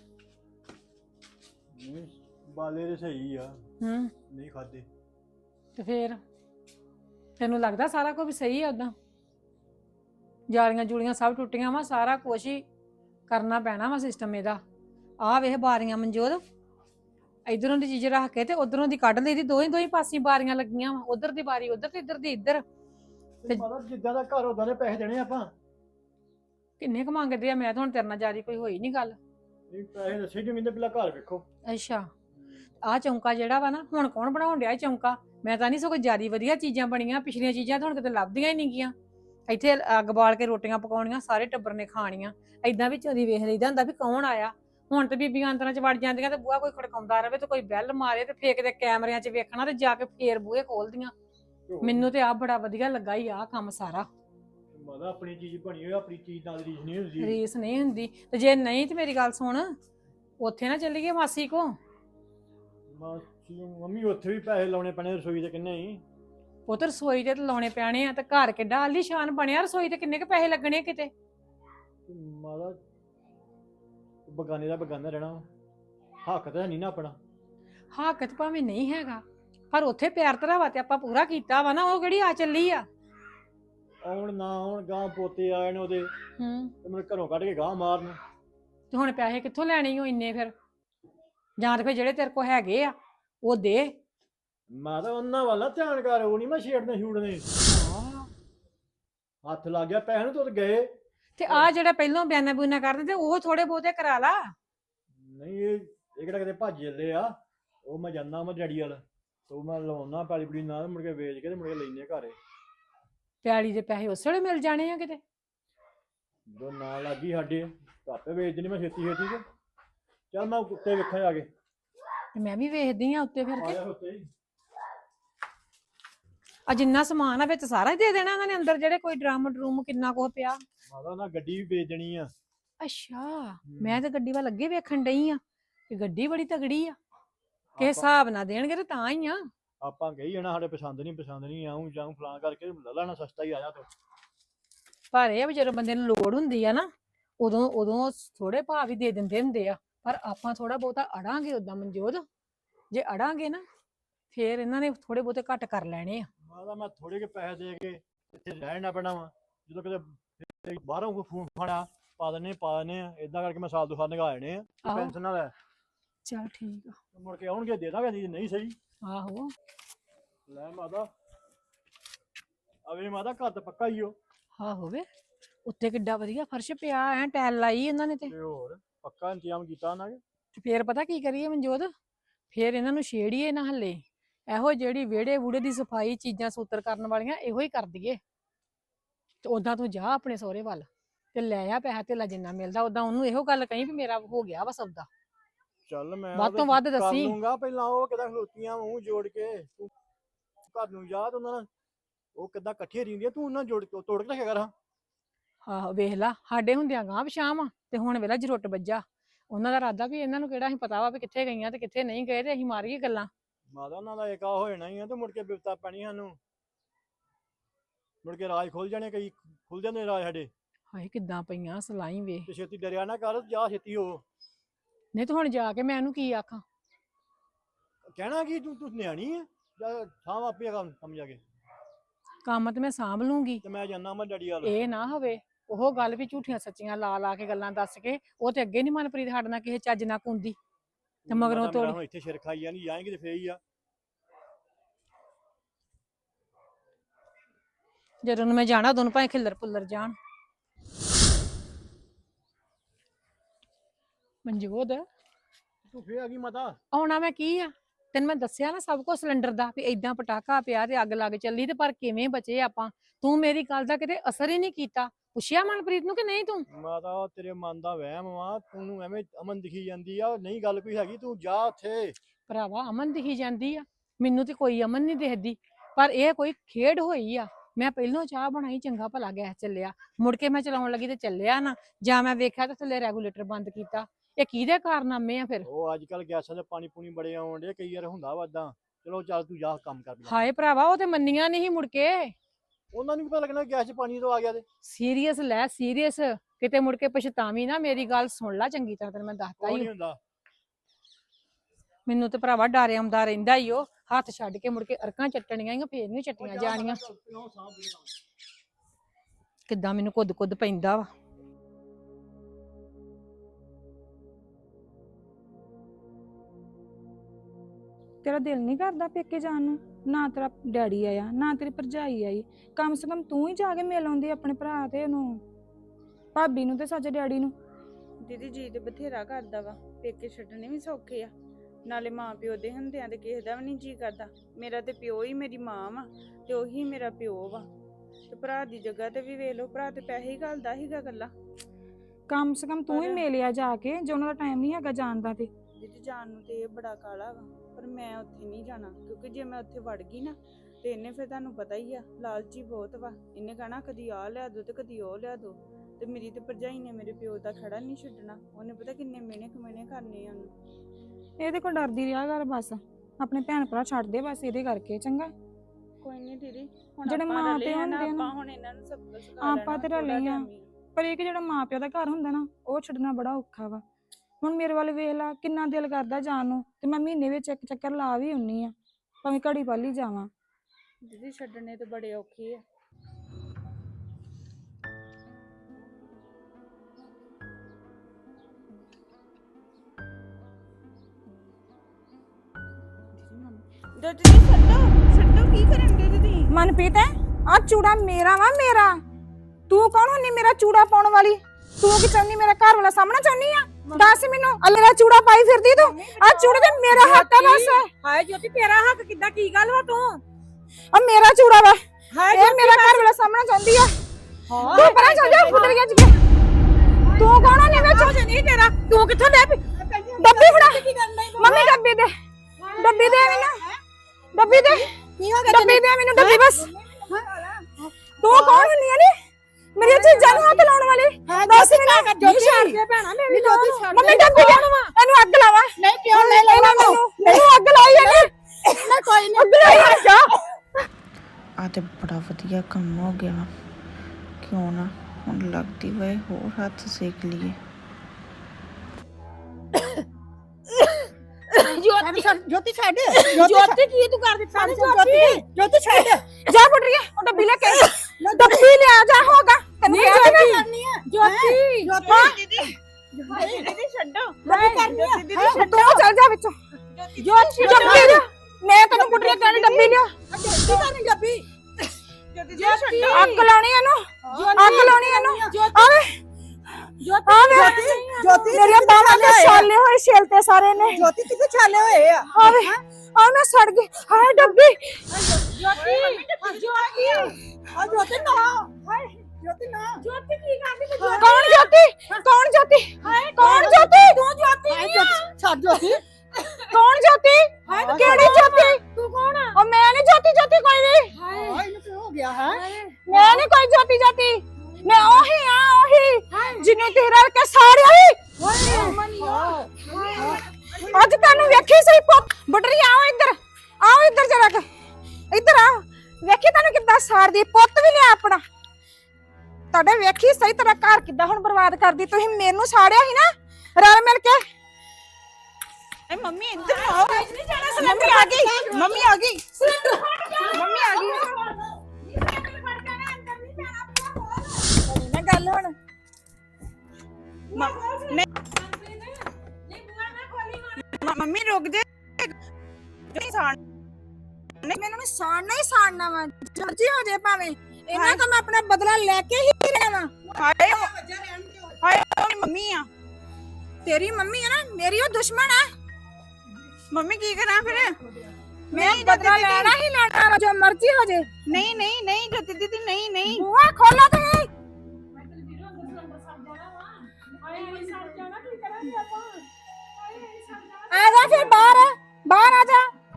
[SPEAKER 5] ਨਹੀਂ, ਬਾਲੇ ਦੇ ਸਹੀ ਆ,
[SPEAKER 6] ਹੂੰ
[SPEAKER 5] ਨਹੀਂ ਖਾਦੇ।
[SPEAKER 6] ਤੇ ਫੇਰ ਤੈਨੂੰ ਲੱਗਦਾ ਸਾਰਾ ਕੁਝ ਸਹੀ ਆ? ਉਦਾਂ ਜਾਲੀਆਂ ਜੂਲੀਆਂ ਸਭ ਟੁੱਟੀਆਂ ਵਾ, ਸਾਰਾ ਕੁਛ ਹੀ ਕਰਨਾ ਪੈਣਾ ਵਾ ਸਿਸਟਮ ਇਹਦਾ। ਆਹ ਵੇਖ ਬਾਰੀਆਂ ਮਨਜੋਤ, ਇਧਰੋਂ ਦੀ ਚੀਜ਼ ਰੱਖ ਕੇ ਤੇ ਉਧਰੋਂ ਦੀ ਕੱਢ ਲਈ ਦੀ, ਦੋਹੀਂ ਦੋਹੀਂ ਪਾਸੇ ਬਾਰੀਆਂ ਲੱਗੀਆਂ ਵਾ। ਉਧਰ ਦੀ ਬਾਰੀ ਉਧਰ ਤੇ ਇੱਧਰ ਦੀ ਇੱਧਰ।
[SPEAKER 5] ਤੇ ਮਾਦਾ ਜਿੱਦਾਂ ਦਾ ਘਰ ਉਦਾਂ ਦੇ ਪੈਸੇ ਦੇਣੇ ਆਪਾਂ।
[SPEAKER 6] ਕਿੰਨੇ ਕੁ ਮੰਗਦੇ ਆ? ਮੈਂ ਤਾਂ ਹੁਣ ਤੇਰੇ ਨਾਲ ਜਿਆਦੀ ਕੋਈ ਹੋਈ ਨਹੀਂ ਗੱਲ।
[SPEAKER 5] ਨਹੀਂ ਪੈਸੇ ਦੱਸੇ ਕਿ ਮੈਨੂੰ ਪਹਿਲਾਂ ਘਰ ਵੇਖੋ।
[SPEAKER 6] ਅੱਛਾ, ਆਹ ਚੌਂਕਾ ਜਿਹੜਾ ਵਾ ਨਾ, ਹੁਣ ਕੌਣ ਬਣਾਉਣ ਡਿਆ ਇਹ ਚੌਂਕਾ? ਮੈਂ ਤਾਂ ਨਹੀਂ ਸਗੋਂ ਜਿਆਦੀ ਵਧੀਆ ਚੀਜ਼ਾਂ ਬਣੀਆਂ, ਪਿਛਲੀਆਂ ਚੀਜ਼ਾਂ ਤਾਂ ਹੁਣ ਕਿਤੇ ਲੱਭਦੀਆਂ ਹੀ ਨਹੀਂ ਗੀਆਂ। ਇੱਥੇ ਅੱਗ ਬਾਲ ਕੇ ਰੋਟੀਆਂ ਪਕਾਉਣੀਆਂ, ਸਾਰੇ ਟੱਬਰ ਨੇ ਖਾਣੀਆਂ। ਏਦਾਂ ਵਿੱਚੋਂ ਦੀ ਵੇਖ ਲਈਦਾ ਹੁੰਦਾ ਵੀ ਕੌਣ ਆਇਆ। ਹੁਣ ਤੇ ਬੀਬੀਆਂ ਅੰਦਰਾਂ ਚ ਵੜ ਜਾਂਦੀਆਂ ਤੇ ਬੂਹਾ ਕੋਈ ਖੜਕਾਉਂਦਾ ਰਵੇ ਤੇ ਕੋਈ ਬੈਲ ਮਾਰੇ ਤੇ ਫੇਰ ਕਿਤੇ ਕੈਮਰਿਆਂ ਚ ਵੇਖਣਾ ਤੇ ਜਾ ਕੇ ਫੇਰ ਬੂਹੇ ਖੋਲਦੀਆਂ। ਮੈਨੂੰ ਤੇ ਆਹ ਬੜਾ ਵਧੀਆ ਲੱਗਾ ਹੀ ਆਹ ਕੰਮ ਸਾਰਾ।
[SPEAKER 5] ਮਾਦਾ ਆਪਣੀ ਚੀਜ਼ ਬਣੀ ਹੋਈ, ਆਪਣੀ ਚੀਜ਼ ਨਾਲ ਰੀਸ ਨਹੀਂ ਹੁੰਦੀ।
[SPEAKER 6] ਰੀਸ ਨਹੀਂ ਹੁੰਦੀ ਤੇ ਜੇ ਨਹੀਂ ਤੇ ਮੇਰੀ ਗੱਲ ਸੁਣ, ਉੱਥੇ ਨਾ ਚੱਲੀਏ ਮਾਸੀ ਕੋ।
[SPEAKER 5] ਮਾਸੀ ਮੰਮੀ ਉੱਥੇ ਵੀ ਪੈਸੇ ਲਾਉਣੇ ਪੈਣੇ ਰਸੋਈ ਦੇ ਕਿੰਨੇ ਹੀ।
[SPEAKER 6] ਉਹ ਤਾਂ ਰਸੋਈ ਤੇ ਲਾਉਣੇ ਪੈਣੇ ਆ, ਤੇ ਘਰ ਕਿੱਡਾ ਆਲੀਸ਼ਾਨ ਬਣਿਆ, ਰਸੋਈ ਤੇ ਕਿੰਨੇ ਕ ਪੈਸੇ ਲੱਗਣੇ ਆ ਕਿਤੇ।
[SPEAKER 5] ਤੇ ਮਾਦਾ ਬਗਾਨੇ ਦਾ ਬਗਾਨਾ ਰਹਿਣਾ, ਹੱਕ ਤਾਂ ਨਹੀਂ ਨਾ ਆਪਣਾ।
[SPEAKER 6] ਹੱਕ ਤੇ ਭਾਵੇਂ ਨਹੀਂ ਹੈਗਾ, ਪਰ ਉੱਥੇ ਪਿਆਰ ਧਰਾਵਾ ਤੇ ਆਪਾਂ ਪੂਰਾ ਕੀਤਾ ਵਾ ਨਾ। ਉਹ ਕਿਹੜੀ ਆ ਚੱਲੀ ਆ।
[SPEAKER 5] ਆਉਣ ਨਾ ਆਉਣ, ਗਾਂ ਪੋਤੇ ਆਏ ਨੇ ਉਹਦੇ
[SPEAKER 6] ਹੂੰ
[SPEAKER 5] ਤੇ ਮੈਨੂੰ ਘਰੋਂ ਕੱਢ ਕੇ ਗਾਂ ਮਾਰਨ।
[SPEAKER 6] ਤੇ ਹੁਣ ਪੈਸੇ ਕਿੱਥੋਂ ਲੈਣੇ ਓ ਇੰਨੇ? ਫਿਰ ਜਾਂ ਤੇ ਫਿਰ ਜਿਹੜੇ ਤੇਰੇ ਕੋਲ ਹੈਗੇ ਆ ਉਹ ਦੇ।
[SPEAKER 5] ਮੈਂ ਤਾਂ ਉਹਨਾਂ ਵੱਲ ਨਾ ਧਿਆਨ ਕਰ, ਉਹ ਨਹੀਂ ਮੈਂ ਛੇੜਨੇ ਛੂੜਨੇ।
[SPEAKER 6] ਹਾਂ,
[SPEAKER 5] ਹੱਥ ਲੱਗ ਗਿਆ ਪੈਸੇ ਨੂੰ, ਤੂੰ ਤਾਂ ਗਏ।
[SPEAKER 6] ਤੇ ਆ ਜਿਹੜਾ ਪਹਿਲਾਂ ਬਿਆਨਾ ਬੁਨਾ ਕਰਦੇ ਤੇ ਉਹ ਥੋੜੇ ਬਹੁਤੇ ਕਰਾ ਲਾ।
[SPEAKER 5] ਨਹੀਂ ਇਹ ਇਹ ਕਿਹੜਾ ਕਿਤੇ ਭੱਜ ਚੱਲੇ ਆ। ਉਹ ਮੈਂ ਜਾਂਦਾ ਮੈਂ ਡੈਡੀ ਵਾਲ, ਤੇ ਉਹ ਮੈਂ ਲਾਉਣਾ ਪੈਲੀ ਪੂਲੀ ਨਾਲ, ਮੁੜ ਕੇ ਵੇਚ ਕੇ ਤੇ ਮੁੜ ਕੇ ਲੈਨੇ ਘਰੇ।
[SPEAKER 6] ਪਿਆਲੀ ਦੇ ਪੈਸੇ ਉਸ ਵੇਲੇ ਮਿਲ ਜਾਣੇ ਆ ਕਿਤੇ।
[SPEAKER 5] ਜੋ ਨਾਲ ਲੱਗੀ ਸਾਡੇ ਆਪੇ ਵੇਚ ਦੇਣੀ ਮੈਂ ਛੇਤੀ ਛੇਤੀ ਤੇ। ਚੱਲ ਮੈਂ ਉੱਤੇ ਵੇਖਾਂ ਜਾ ਕੇ।
[SPEAKER 6] ਤੇ ਮੈਂ ਵੀ ਵੇਖਦੀ ਆ ਉੱਤੇ ਫਿਰ
[SPEAKER 5] ਆ
[SPEAKER 6] ਕੇ।
[SPEAKER 5] ਜਾ ਉੱਤੇ ਹੀ।
[SPEAKER 6] ਆ ਜਿੰਨਾ ਸਮਾਨ ਆ ਵਿੱਚ ਸਾਰਾ ਹੀ ਦੇ ਦੇਣਾ ਉਹਨਾਂ ਨੇ ਅੰਦਰ, ਜਿਹੜੇ ਕੋਈ ਡਰਮ ਡਰੂਮ ਕਿੰਨਾ ਕੁਛ ਪਿਆ।
[SPEAKER 5] ਮਾਤਾ ਨਾ ਗੱਡੀ ਵੀ ਵੇਚ ਦੇਣੀ ਆ।
[SPEAKER 6] ਅੱਛਾ, ਮੈਂ ਤਾਂ ਗੱਡੀ ਵੱਲ ਅੱਗੇ ਵੇਖਣ ਡਈ ਆ ਕਿ ਗੱਡੀ ਬੜੀ ਤਗੜੀ ਆ। ਕਿਸੇ
[SPEAKER 5] ਆਪਾਂ-
[SPEAKER 6] ਹਿਸਾਬ ਨਾਲ ਦੇਣਗੇ ਤੇ ਤਾਂ ਹੀ ਆ।
[SPEAKER 5] ਆਪਾਂ ਕਹੀ ਜਾਣਾ ਸਾਡੇ ਪਸੰਦ ਨਹੀਂ ਪਸੰਦ ਨਹੀਂ, ਆਉਂ ਜਾਉਂ ਫਲਾਂ ਕਰਕੇ ਲੈ ਲੈਣਾ, ਸਸਤਾ ਹੀ ਆ ਜਾ ਤੂੰ।
[SPEAKER 6] ਪਰ ਇਹ ਆ ਵੀ ਜਦੋਂ ਬੰਦੇ ਨੂੰ ਲੋੜ ਹੁੰਦੀ ਆ ਨਾ, ਉਦੋਂ ਉਦੋਂ ਥੋੜੇ ਭਾਅ ਵੀ ਦੇ ਦਿੰਦੇ ਹੁੰਦੇ ਆ। ਪਰ ਆਪਾਂ ਥੋੜਾ ਬਹੁਤਾ ਅੜਾਂਗੇ ਉਦਾਂ ਮਨਜੋਤ, ਜੇ ਅੜਾਂਗੇ ਨਾ ਫੇਰ ਇਹਨਾਂ ਨੇ ਥੋੜੇ ਬਹੁਤੇ ਘੱਟ ਕਰ ਲੈਣੇ ਆ।
[SPEAKER 5] ਮਾਤਾ ਮੈਂ ਥੋੜੇ ਜਿਹੇ ਪੈਸੇ ਦੇ ਕੇ ਇੱਥੇ ਰਹਿਣਾ ਪੈਣਾ ਵਾ। ਜਦੋਂ ਕਿਤੇ ਫਿਰ ਬਾਹਰੋਂ ਕੋਈ ਫੋਨ ਫਾਣਾ ਪਾ ਦਿੰਦੇ ਪਾ ਦਿੰਦੇ ਆ, ਏਦਾਂ ਕਰਕੇ ਮੈਂ ਸਾਲ ਦੋ ਸਾਲ ਲਗਾ ਜਾਣੇ ਆ।
[SPEAKER 6] ਆਹੋ।
[SPEAKER 5] ਟੈਨਸ਼ਨ ਨਾ ਲੈ,
[SPEAKER 6] ਚਲ ਠੀਕ ਆ।
[SPEAKER 5] ਮੁੜ ਕੇ ਆਉਣਗੇ ਦੇ ਦਾਂਗੇ, ਜੇ ਨਹੀਂ ਸਹੀ।
[SPEAKER 6] ਆਹੋ
[SPEAKER 5] ਲੈ ਮਾਤਾ ਅਵੇ ਮਾਤਾ ਘਰ ਤਾਂ ਪੱਕਾ ਹੀ ਹੋ।
[SPEAKER 6] ਹਾਂ ਹੋਵੇ, ਉੱਤੇ ਕਿੱਡਾ ਵਧੀਆ ਫਰਸ਼ ਪਿਆ, ਐ ਟੈਲ ਲਾਈ ਇਹਨਾਂ ਨੇ ਤੇ।
[SPEAKER 5] ਤੇ ਹੋਰ ਪੱਕਾ ਇੰਤਜ਼ਾਮ ਕੀਤਾ ਉਹਨਾਂ ਨੇ।
[SPEAKER 6] ਤੇ ਫੇਰ ਪਤਾ ਕੀ ਕਰੀਏ ਮਨਜੋਤ, ਫੇਰ ਇਹਨਾਂ ਨੂੰ ਛੇੜੀਏ ਨਾ ਹੱਲੇ। ਇਹੋ ਜਿਹੜੀ ਵਿਹੜੇ ਵੂੜੇ ਦੀ ਸਫਾਈ ਚੀਜ਼ਾਂ ਸੂਤਰ ਕਰਨ ਵਾਲੀਆਂ ਇਹੋ ਹੀ ਕਰ ਦਈਏ। ਤੇ ਉਦਾਂ ਤੂੰ ਜਾ ਆਪਣੇ ਸਹੁਰੇ ਵੱਲ ਤੇ ਲੈ ਆ ਪੈਸਾ ਧੇਲਾ ਜਿੰਨਾ ਮਿਲਦਾ। ਉਦਾਂ ਉਹਨੂੰ ਇਹੋ ਗੱਲ ਕਹੀਂ ਵੀ ਮੇਰਾ ਹੋ ਗਿਆ ਵਾ ਸੌਦਾ।
[SPEAKER 5] ਚੱਲ ਮੈਂ
[SPEAKER 6] ਵੱਧ ਤੋਂ ਵੱਧ
[SPEAKER 5] ਕਰ
[SPEAKER 6] ਦੱਸੀ।
[SPEAKER 5] ਲੂੰਗਾ। ਪਹਿਲਾਂ ਉਹ ਕਿਦਾਂ ਖਲੋਤੀਆਂ ਮੂੰਹ ਜੋੜ ਕੇ, ਤੂੰ ਘਰ ਨੂੰ ਜਾ ਤੇ ਉਹਨਾਂ ਨਾਲ ਉਹ ਕਿਦਾਂ ਇਕੱਠੀਆਂ ਰਹਿੰਦੀਆਂ, ਤੂੰ ਉਹਨਾਂ ਜੋੜ ਕੇ ਤੋੜ ਕੇ ਰੱਖਿਆ ਕਰ।
[SPEAKER 6] ਆਹੋ ਵੇਖ ਲਾ, ਸਾਡੇ ਹੁੰਦਿਆਂ ਗਾਂ ਪਛਾਂ ਵਾ ਤੇ ਹੁਣ ਵੇਲਾ ਜਰੁੱਟ ਵੱਜਾ। ਉਹਨਾਂ ਦਾ ਇਰਾਦਾ ਵੀ ਇਹਨਾਂ ਨੂੰ ਕਿਹੜਾ ਅਸੀਂ ਪਤਾ ਵਾ ਵੀ ਕਿੱਥੇ ਗਈਆਂ ਤੇ ਕਿੱਥੇ ਨਹੀਂ ਗਏ, ਤੇ ਅਸੀਂ ਮਾਰੀਏ ਗੱਲਾਂ।
[SPEAKER 5] ਮਾਤਾ ਉਹਨਾਂ ਦਾ ਏਕਾ ਹੋ ਜਾਣਾ ਹੀ ਆ, ਤੇ ਮੁੜ ਕੇ ਬਿਪਤਾ ਪੈਣੀ ਸਾਨੂੰ। ਮੁੜ ਕੇ ਰਾਜ ਖੁੱਲ ਜਾਣੇ, ਕਈ ਖੁੱਲ ਜਾਂਦੇ ਰਾਜ ਸਾਡੇ।
[SPEAKER 6] ਹਾਏ ਕਿੱਦਾਂ ਪਈਆਂ ਸਲਾਈ ਵੇਖ।
[SPEAKER 5] ਤੇ ਛੇਤੀ ਡਰਿਆ ਨਾ ਕਰ, ਜਾ ਛੇਤੀ ਹੋ।
[SPEAKER 6] ਨਹੀਂ ਤੇ ਹੁਣ ਜਾ ਕੇ ਮੈਂ ਇਹਨੂੰ ਕੀ ਆਖਾਂ।
[SPEAKER 5] ਕਹਿਣਾ ਕੀ, ਤੂੰ ਤੂੰ ਨਿਆਣੀ ਆ, ਜਾ ਸਾਂਭ ਆਪੇ ਕੰਮ ਕੰਮ ਜਾ ਕੇ।
[SPEAKER 6] ਕੰਮ ਤੇ ਮੈਂ ਸਾਂਭ ਲੂੰਗੀ।
[SPEAKER 5] ਤੇ ਮੈਂ ਜਾਂਦਾ ਮੈਂ ਡੈਡੀ ਵੱਲ।
[SPEAKER 6] ਇਹ ਨਾ ਹੋਵੇ ਉਹ ਗੱਲ ਵੀ ਝੂਠੀਆਂ ਸੱਚੀਆਂ ਲਾ ਲਾ ਕੇ ਗੱਲਾਂ ਦੱਸ ਕੇ। ਉਹ ਤੇ ਅੱਗੇ ਨੀ ਮਨਪ੍ਰੀਤ ਸਾਡੇ ਨਾਲ ਕਿਸੇ ਚੱਜ ਨਾਲ ਕੁੰਦੀ ਤੇ ਮਗਰੋਂ
[SPEAKER 5] ਮਾਤਾ ਮੇਰਾ
[SPEAKER 6] ਤੋੜ।
[SPEAKER 5] ਹੁਣ ਇੱਥੇ ਸਿਰ ਖਾਈ ਜਾਣੀ, ਜਾਏਂਗੇ ਤੇ ਫੇਰ ਹੀ ਆ।
[SPEAKER 6] ਜਦੋਂ ਨੂੰ ਮੈਂ ਜਾਣਾ ਉਦੋਂ ਨੂੰ ਭਾਵੇਂ ਖਿੱਲਰ ਪੁੱਲਰ ਜਾਣ। ਮਨਜੋਤ
[SPEAKER 5] ਤੂੰ ਫੇਰ ਆ ਗਈ ਮਾਤਾ।
[SPEAKER 6] ਆਉਣਾ ਮੈਂ ਕੀ ਆ, ਤੈਨੂੰ ਮੈਂ ਦੱਸਿਆ ਨਾ ਸਭ ਕੁਝ ਸਿਲੰਡਰ ਦਾ ਵੀ ਏਦਾਂ ਪਟਾਕਾ ਪਿਆ ਤੇ ਅੱਗ ਲੱਗ ਚੱਲੀ, ਤੇ ਪਰ ਕਿਵੇਂ ਬਚੇ ਆਪਾਂ। ਤੂੰ ਮੇਰੀ ਗੱਲ ਦਾ ਕਿਤੇ ਅਸਰ ਹੀ ਨਹੀਂ ਕੀਤਾ। ਪੁੱਛਿਆ ਮਨਪ੍ਰੀਤ ਨੂੰ ਕਿ ਨਹੀਂ ਤੂੰ?
[SPEAKER 5] ਮਾਤਾ ਉਹ ਤੇਰੇ ਮਨ ਦਾ ਵਹਿਮ ਵਾ, ਤੈਨੂੰ ਐਵੇਂ ਅਮਨ ਦਿਖੀ ਜਾਂਦੀ ਆ, ਨਹੀਂ ਗੱਲ ਕੋਈ ਹੈਗੀ। ਤੂੰ ਜਾ ਉੱਥੇ।
[SPEAKER 6] ਭਰਾਵਾ ਅਮਨ ਦਿਖੀ ਜਾਂਦੀ ਆ, ਮੈਨੂੰ ਤੇ ਕੋਈ ਅਮਨ ਨਹੀਂ ਦਿਖਦੀ। ਪਰ ਇਹ ਕੋਈ ਖੇਡ ਹੋਈ ਆ। ਮੈਂ ਪਹਿਲੋਂ ਚਾਹ ਬਣਾਈ, ਚੰਗਾ ਭਲਾ ਗੈਸ ਚੱਲਿਆ, ਮੁੜ ਕੇ ਮੈਂ ਚਲਾਉਣ ਲੱਗੀ ਤੇ ਚੱਲਿਆ ਨਾ। ਜਾਂ ਮੈਂ ਵੇਖਿਆ ਤੇ ਥੱਲੇ ਰੈਗੂਲੇਟਰ ਬੰਦ ਕੀਤਾ। ਇਹ ਕਿਹਦੇ ਕਾਰਨਾਮੇ ਆ ਫਿਰ?
[SPEAKER 5] ਉਹ ਅੱਜ ਕੱਲ ਗੈਸਾਂ ਦੇ ਪਾਣੀ ਪੂਣੀ ਬੜੇ ਆਉਣ ਡੇ, ਕਈ ਵਾਰ ਹੁੰਦਾ ਵਾ ਏਦਾਂ। ਚਲੋ ਚੱਲ ਤੂੰ ਜਾ ਕੰਮ ਕਰ।
[SPEAKER 6] ਹਾਏ ਭਰਾਵਾ ਉਹ ਤੇ ਮੰਨੀਆਂ ਨਹੀਂ ਮੁੜ ਕੇ।
[SPEAKER 5] ਉਹਨਾਂ ਨੂੰ ਕੀ ਪਤਾ ਲੱਗਣਾ ਗੈਸ 'ਚ ਪਾਣੀ ਤੋਂ ਆ ਗਿਆ ਤੇ।
[SPEAKER 6] ਸੀਰੀਅਸ ਲੈ ਸੀਰੀਅਸ, ਕਿਤੇ ਮੁੜ ਕੇ ਪਛਤਾਵੀਂ ਨਾ। ਮੇਰੀ ਗੱਲ ਸੁਣ ਲੈ ਚੰਗੀ ਤਰ੍ਹਾਂ, ਤੈਨੂੰ ਮੈਂ ਦੱਸਤਾ
[SPEAKER 5] ਉਹ
[SPEAKER 6] ਹੀ।
[SPEAKER 5] ਨਹੀਂ ਹੁੰਦਾ।
[SPEAKER 6] ਮੈਨੂੰ ਤੇ ਭਰਾਵਾ ਡਰ ਆਉਂਦਾ ਰਹਿੰਦਾ ਈ। ਉਹ ਹੱਥ ਛੱਡ ਕੇ ਮੁੜ ਕੇ ਅਰਕਾਂ ਚੱਟਣੀਆਂ ਹੀ ਫੇਰ ਨਹੀਂ ਚੱਟੀਆਂ ਜਾਣੀਆਂ। ਕਿੱਦਾਂ ਮੈਨੂੰ ਕੁੱਦ ਕੁੱਦ ਪੈਂਦਾ ਵਾ।
[SPEAKER 3] ਤੇਰਾ ਦਿਲ ਨਹੀਂ ਕਰਦਾ ਪੇਕੇ ਜਾਣ ਨੂੰ? ਨਾ ਤੇਰਾ ਡੈਡੀ ਆਇਆ, ਨਾ ਤੇਰੀ ਭਰਜਾਈ ਆਈ। ਕਮ ਸੇ ਕਮ ਤੂੰ ਹੀ ਜਾ ਕੇ ਮਿਲ ਆਉਂਦੀ ਆਪਣੇ ਭਰਾ ਤੇ ਉਹਨੂੰ, ਭਾਬੀ ਨੂੰ ਤੇ ਸੱਚ ਡੈਡੀ ਨੂੰ।
[SPEAKER 4] ਦੀਦੀ ਜੀ ਤੇ ਬਥੇਰਾ ਕਰਦਾ ਵਾ, ਪੇਕੇ ਛੱਡਣੇ ਵੀ ਸੌਖੇ ਆ। ਨਾਲੇ ਮਾਂ ਪਿਓ ਦੇ ਹੁੰਦਿਆਂ ਤੇ ਕਿਸੇ ਦਾ ਵੀ ਨਹੀਂ ਜੀ ਕਰਦਾ। ਮੇਰਾ ਤੇ ਪਿਓ ਹੀ ਮੇਰੀ ਮਾਂ ਵਾ, ਤੇ ਉਹੀ ਮੇਰਾ ਪਿਓ ਵਾ। ਤੇ ਭਰਾ ਦੀ ਜਗ੍ਹਾ ਤੇ ਵੀ ਵੇਖ ਲਓ, ਭਰਾ ਤੇ ਪੈਸੇ ਹੀ ਘੱਲਦਾ ਸੀਗਾ ਗੱਲਾਂ।
[SPEAKER 3] ਕਮ ਸੇ ਕਮ ਤੂੰ ਹੀ
[SPEAKER 4] ਪਰ-
[SPEAKER 3] ਮਿਲਿਆ ਜਾ ਕੇ, ਜੇ ਉਹਨਾਂ ਦਾ ਟਾਈਮ ਨਹੀਂ ਹੈਗਾ ਜਾਣ ਦਾ ਤੇ।
[SPEAKER 4] ਦੀਦੀ ਜਾਣ ਨੂੰ ਤੇ ਇਹ ਬੜਾ ਕਾਲਾ ਵਾ, ਪਰ ਮੈਂ ਉੱਥੇ ਨਹੀਂ ਜਾਣਾ। ਕਿਉਂਕਿ ਜੇ ਮੈਂ ਉੱਥੇ ਵੜ ਗਈ ਨਾ, ਤੇ ਇਹਨੇ ਫਿਰ ਤੁਹਾਨੂੰ ਪਤਾ ਹੀ ਆ, ਲਾਲਚੀ ਬਹੁਤ ਵਾ। ਇਹਨੇ ਕਹਿਣਾ ਕਦੀ ਆਹ ਲਿਆ ਦੋ ਤੇ ਕਦੀ ਉਹ ਲਿਆ ਦੋ। ਤੇ ਮੇਰੀ ਤੇ ਭਰਜਾਈ ਨੇ ਮੇਰੇ ਪਿਓ ਦਾ ਖੜਾ ਨਹੀਂ ਛੱਡਣਾ। ਉਹਨੇ ਪਤਾ ਕਿੰਨੇ ਮਿਹਣੇ ਕਮੇਣੇ ਕਰਨੇ ਆ ਉਹਨੂੰ।
[SPEAKER 3] ਇਹਦੇ ਕੋਲ ਡਰਦੀ ਰਿਹਾ ਕਰ ਬਸ। ਆਪਣੇ ਭੈਣ ਭਰਾ ਛੱਡ ਦੇ ਬਸ ਇਹਦੇ ਕਰਕੇ, ਚੰਗਾ?
[SPEAKER 4] ਕੋਈ ਨਹੀਂ ਦੀਦੀ, ਹੁਣ
[SPEAKER 3] ਜਿਹੜੇ
[SPEAKER 4] ਆਪਾਂ
[SPEAKER 3] ਮਾਂ
[SPEAKER 4] ਰਲੇ
[SPEAKER 3] ਪਿਓ
[SPEAKER 4] ਆ ਨਾ,
[SPEAKER 3] ਹੁੰਦੇ ਆ ਨਾ,
[SPEAKER 4] ਆਪਾਂ ਹੁਣ ਇਹਨਾਂ ਨੂੰ ਸਭ ਕੁਝ ਸਿਖਾ
[SPEAKER 3] ਆਪਾਂ ਤੇ ਰਲੇ ਆ। ਪਰ ਇਹ ਕਿ ਜਿਹੜਾ ਮਾਂ ਪਿਓ ਦਾ ਘਰ ਹੁੰਦਾ ਨਾ, ਉਹ ਛੱਡਣਾ ਬੜਾ ਔਖਾ ਵਾ। ਹੁਣ ਮੇਰੇ ਵੱਲ ਵੇਖ ਲਾ, ਕਿੰਨਾ ਦਿਲ ਕਰਦਾ ਜਾਣ ਨੂੰ, ਤੇ ਮੈਂ ਮਹੀਨੇ ਵਿੱਚ ਇੱਕ ਚੱਕਰ ਲਾ ਵੀ ਹੁੰਨੀ ਆ, ਭਾਵੇਂ ਘੜੀ ਪਲ ਹੀ ਜਾਵਾਂ।
[SPEAKER 4] ਦੀਦੀ ਛੱਡਣੇ ਤੇ ਬੜੇ ਔਖੇ ਆ। ਦੀਦੀ ਛੱਡੋ ਛੱਡੋ, ਕੀ ਕਰਨ ਦੇ ਤੁਸੀਂ?
[SPEAKER 3] ਮਨਪ੍ਰੀਤ, ਆ ਚੂੜਾ ਮੇਰਾ ਵਾ, ਮੇਰਾ। ਤੂੰ ਕੌਣ ਹੁੰਨੀ ਮੇਰਾ ਚੂੜਾ ਪਾਉਣ ਵਾਲੀ? ਤੂੰ ਕੀ ਚਾਹੁੰਦੀ, ਮੇਰਾ ਘਰ ਵਾਲਾ ਸਾਹਮਣਾ ਚਾਹੁੰਦੀ ਆ? ਦੱਸ ਮੈਨੂੰ, ਆ ਮੇਰਾ ਚੂੜਾ ਪਾਈ ਫਿਰਦੀ ਤੂੰ? ਆ ਚੂੜੇ ਤੇ ਮੇਰਾ ਹੱਕ ਆ ਬਸ।
[SPEAKER 6] ਹਾਏ ਜੋਤੀ ਤੇਰਾ ਹੱਕ ਕਿੱਦਾਂ, ਕੀ ਗੱਲ ਵਾ ਤੂੰ?
[SPEAKER 3] ਆ ਮੇਰਾ ਚੂੜਾ ਵਾ,
[SPEAKER 6] ਹਾਏ
[SPEAKER 3] ਇਹ ਮੇਰਾ ਘਰ ਵਾਲਾ ਸਾਹਮਣਾ ਚਾਹੁੰਦੀ ਆ। ਤੂੰ ਪਰਾਂ ਚੱਲ ਜਾ ਫੁੱਟਰੀਆਂ ਚ। ਤੂੰ ਕੌਣ ਹੁੰਨੀ ਵਿੱਚ?
[SPEAKER 6] ਨਹੀਂ ਤੇਰਾ, ਤੂੰ ਕਿੱਥੋਂ ਲੈ ਪਈ?
[SPEAKER 3] ਡੱਬੀ ਫੜਾ ਮੰਮੀ, ਡੱਬੀ ਦੇ, ਡੱਬੀ ਦੇ ਮੈਨੂੰ, ਡੱਬੀ ਦੇ, ਡੱਬੀ ਦੇ ਮੈਨੂੰ, ਡੱਬੀ ਬਸ। ਤੂੰ ਕੌਣ ਹੁੰਨੀ ਆ ਨੀ ਮੇਰੀ ਚੀਜ਼ਾਂ ਨੂੰ ਹੱਥ ਲਾਉਣ ਵਾਲੀ? ਦੱਸ ਮੈਨੂੰ।
[SPEAKER 6] ਜੋਤੀ ਭੈਣਾ ਮੈਂ ਵੀ ਜੋਤੀ ਛੱਡ
[SPEAKER 3] ਮੰਮੀ ਡੱਬੀ ਦੇ, ਇਹਨੂੰ ਅੱਗ ਲਾਵਾ।
[SPEAKER 6] ਨਹੀਂ ਕਿਉਂ ਲੈ ਲੈ
[SPEAKER 3] ਮੈਨੂੰ ਇਹਨੂੰ ਅੱਗ ਲਾਈ ਇਹਨੇ।
[SPEAKER 6] ਮੈਂ ਕੋਈ ਨਹੀਂ
[SPEAKER 3] ਅੱਗ ਲਾਈ ਜਾ।
[SPEAKER 7] ਆ ਤੇ ਬੜਾ ਵਧੀਆ ਕੰਮ ਹੋ ਗਿਆ। ਕਿਉਂ ਨਾ ਹੁਣ ਲੱਗਦੀ ਵੇ ਹੋਰ ਹੱਥ ਸੇਕ ਲਈਏ।
[SPEAKER 6] ਜੋਤੀ ਜੋਤੀ ਛੱਡ, ਜੋਤੀ ਕੀ ਤੂੰ ਕਰ ਦਿੱਤਾ? ਜੋਤੀ ਜੋਤੀ ਛੱਡ,
[SPEAKER 3] ਜਾ ਫੁੱਟਰੀਆ, ਉਹ ਡੱਬੀ ਲੈ ਕੇ ਆਈ। ਡੱਬੀ ਲਿਆ ਜਾ, ਹੋਗਾ ਤੈਨੂੰ
[SPEAKER 6] ਨਹੀਂ
[SPEAKER 3] ਕਿਹਾ ਸੀ ਮੈਂ।
[SPEAKER 6] ਕਰਨੀ ਆ ਜੋਤੀ।
[SPEAKER 4] ਜੋਤੀ ਦੀਦੀ ਦੀਦੀ ਛੱਡੋ।
[SPEAKER 6] ਮੈਂ ਕਰਨੀ ਆ।
[SPEAKER 4] ਜੋਤੀ ਦੀਦੀ ਛੱਡੋ।
[SPEAKER 3] ਤੂੰ ਚੱਲ ਜਾ ਵਿੱਚੋਂ।
[SPEAKER 6] ਜੋਤੀ
[SPEAKER 3] ਡੱਬੀ ਲਿਆ, ਮੈਂ ਤੈਨੂੰ ਫੁੱਟਰੀਆ ਕਹਿੰਦੀ ਡੱਬੀ ਲਿਆ।
[SPEAKER 6] ਜੋਤੀ ਕਰਨੀ ਡੱਬੀ।
[SPEAKER 4] ਜੋਤੀ ਦੀਦੀ ਛੱਡੋ।
[SPEAKER 3] ਅੱਗ ਲਾਉਣੀ ਇਹਨੂੰ, ਅੱਗ ਲਾਉਣੀ ਇਹਨੂੰ। ਆਵੇ
[SPEAKER 6] ਜੋਤੀ
[SPEAKER 3] ਆਵੇ,
[SPEAKER 6] ਜੋਤੀ
[SPEAKER 3] ਮੇਰੀਆਂ ਬਾਹਾਂ ਤੇ ਛਾਲੇ ਹੋਏ, ਛੇਲ ਤੇ ਸਾਰੇ ਨੇ।
[SPEAKER 6] ਜੋਤੀ ਕਿੱਥੇ ਛਾਲੇ ਹੋਏ ਆ?
[SPEAKER 3] ਆਵੇ ਆ ਮੈਂ ਸੜ ਗਈ। ਹਾਏ ਡੱਬੀ।
[SPEAKER 6] ਜੋਤੀ ਜੋਤੀ ਆ ਜੋਤੀ ਨਾ, ਹਾਏ ਜੋਤੀ ਨਾ। ਜੋਤੀ ਕੀ ਕਰਦੀ ਤੂੰ?
[SPEAKER 3] ਕੌਣ ਜੋਤੀ? ਕੌਣ ਜੋਤੀ? ਕੌਣ ਜੋਤੀ?
[SPEAKER 6] ਤੂੰ ਜੋਤੀ ਨਹੀਂ ਆ। ਛੱਡ ਜੋਤੀ।
[SPEAKER 3] ਕੌਣ ਜੋਤੀ? ਕਿਹੜੀ ਜੋਤੀ?
[SPEAKER 6] ਤੂੰ ਕੌਣ ਆ?
[SPEAKER 3] ਉਹ ਮੈਂ ਨਹੀਂ ਜੋਤੀ, ਜੋਤੀ ਕੋਈ ਨਹੀਂ।
[SPEAKER 6] ਹਾਏ ਇਹਨੂੰ ਕੀ ਹੋ ਗਿਆ ਹੈ?
[SPEAKER 3] ਮੈਂ ਨਹੀਂ ਕੋਈ ਜੋਤੀ ਜੋਤੀ, ਮੈਂ ਉਹੀ ਆ, ਉਹੀ ਜਿਹਨੂੰ ਤੇ ਰਲ ਕੇ ਸਾੜਿਆ ਸੀ। ਅੱਜ ਤੈਨੂੰ ਵੇਖੀ ਸਹੀ ਪੁੱਤ। ਬੁੱਢੀ ਆਓ ਇੱਧਰ, ਆਓ ਇੱਧਰ ਜਰਾ ਕ, ਇੱਧਰ ਆਓ। ਵੇਖੀ ਤੈਨੂੰ ਕਿੱਦਾਂ ਸਾੜਦੀ, ਪੁੱਤ ਵੀ ਲਿਆ ਆਪਣਾ। ਤੁਹਾਡੇ ਵੇਖੀ ਸਹੀ ਤਰ੍ਹਾਂ ਘਰ ਕਿੱਦਾਂ ਹੁਣ ਬਰਬਾਦ ਕਰਦੀ। ਤੁਸੀਂ ਮੈਨੂੰ ਸਾੜਿਆ ਸੀ ਨਾ ਰਲ ਮਿਲ ਕੇ।
[SPEAKER 4] ਏ ਮੰਮੀ ਇੱਧਰ ਆਓ। ਮੰਮੀ ਆ ਗਈ, ਮੰਮੀ ਆ ਗਈ, ਮੰਮੀ ਆ ਗਈ।
[SPEAKER 3] ਨਾ ਗੱਲ ਹੁਣ
[SPEAKER 4] ਮ- ਮੰਮੀ ਰੁਕ ਜਾ। ਨਹੀਂ ਸਾੜ
[SPEAKER 3] ਨਹੀਂ, ਮੈਨੂੰ ਨੀ ਸਾੜਨਾ ਹੀ ਸਾੜਨਾ ਵਾ, ਜਰਜੀ ਹੋ ਜੇ ਭਾਵੇਂ। ਇਹਨਾਂ ਤੋਂ ਮੈਂ ਆਪਣਾ ਬਦਲਾ ਲੈ ਕੇ ਹੀ ਰਹਿਣਾ ਵਾ।
[SPEAKER 4] ਹਾਏ ਹਾਏ ਉਹ ਮੰਮੀ ਆ।
[SPEAKER 3] ਤੇਰੀ ਮੰਮੀ ਹੈ ਨਾ, ਮੇਰੀ ਉਹ ਦੁਸ਼ਮਣ ਆ।
[SPEAKER 4] ਮੰਮੀ ਕੀ ਕਰਾਂ ਫਿਰ?
[SPEAKER 3] ਮੈਂ ਬਦਲਾ ਲੈਣਾ ਹੀ ਲੈਣਾ ਵਾ, ਜੋ ਮਰਜ਼ੀ ਹੋ ਜੇ।
[SPEAKER 4] ਨਹੀਂ ਨਹੀਂ ਨਹੀਂ ਜੋਤੀ ਦੀਦੀ ਨਹੀਂ ਨਹੀਂ।
[SPEAKER 3] ਬੂਹਾ ਖੋਲੋ ਤੁਸੀਂ। ਆ ਜਾ ਫਿਰ ਬਾਹਰ, ਬਾਹਰ ਆ ਜਾ।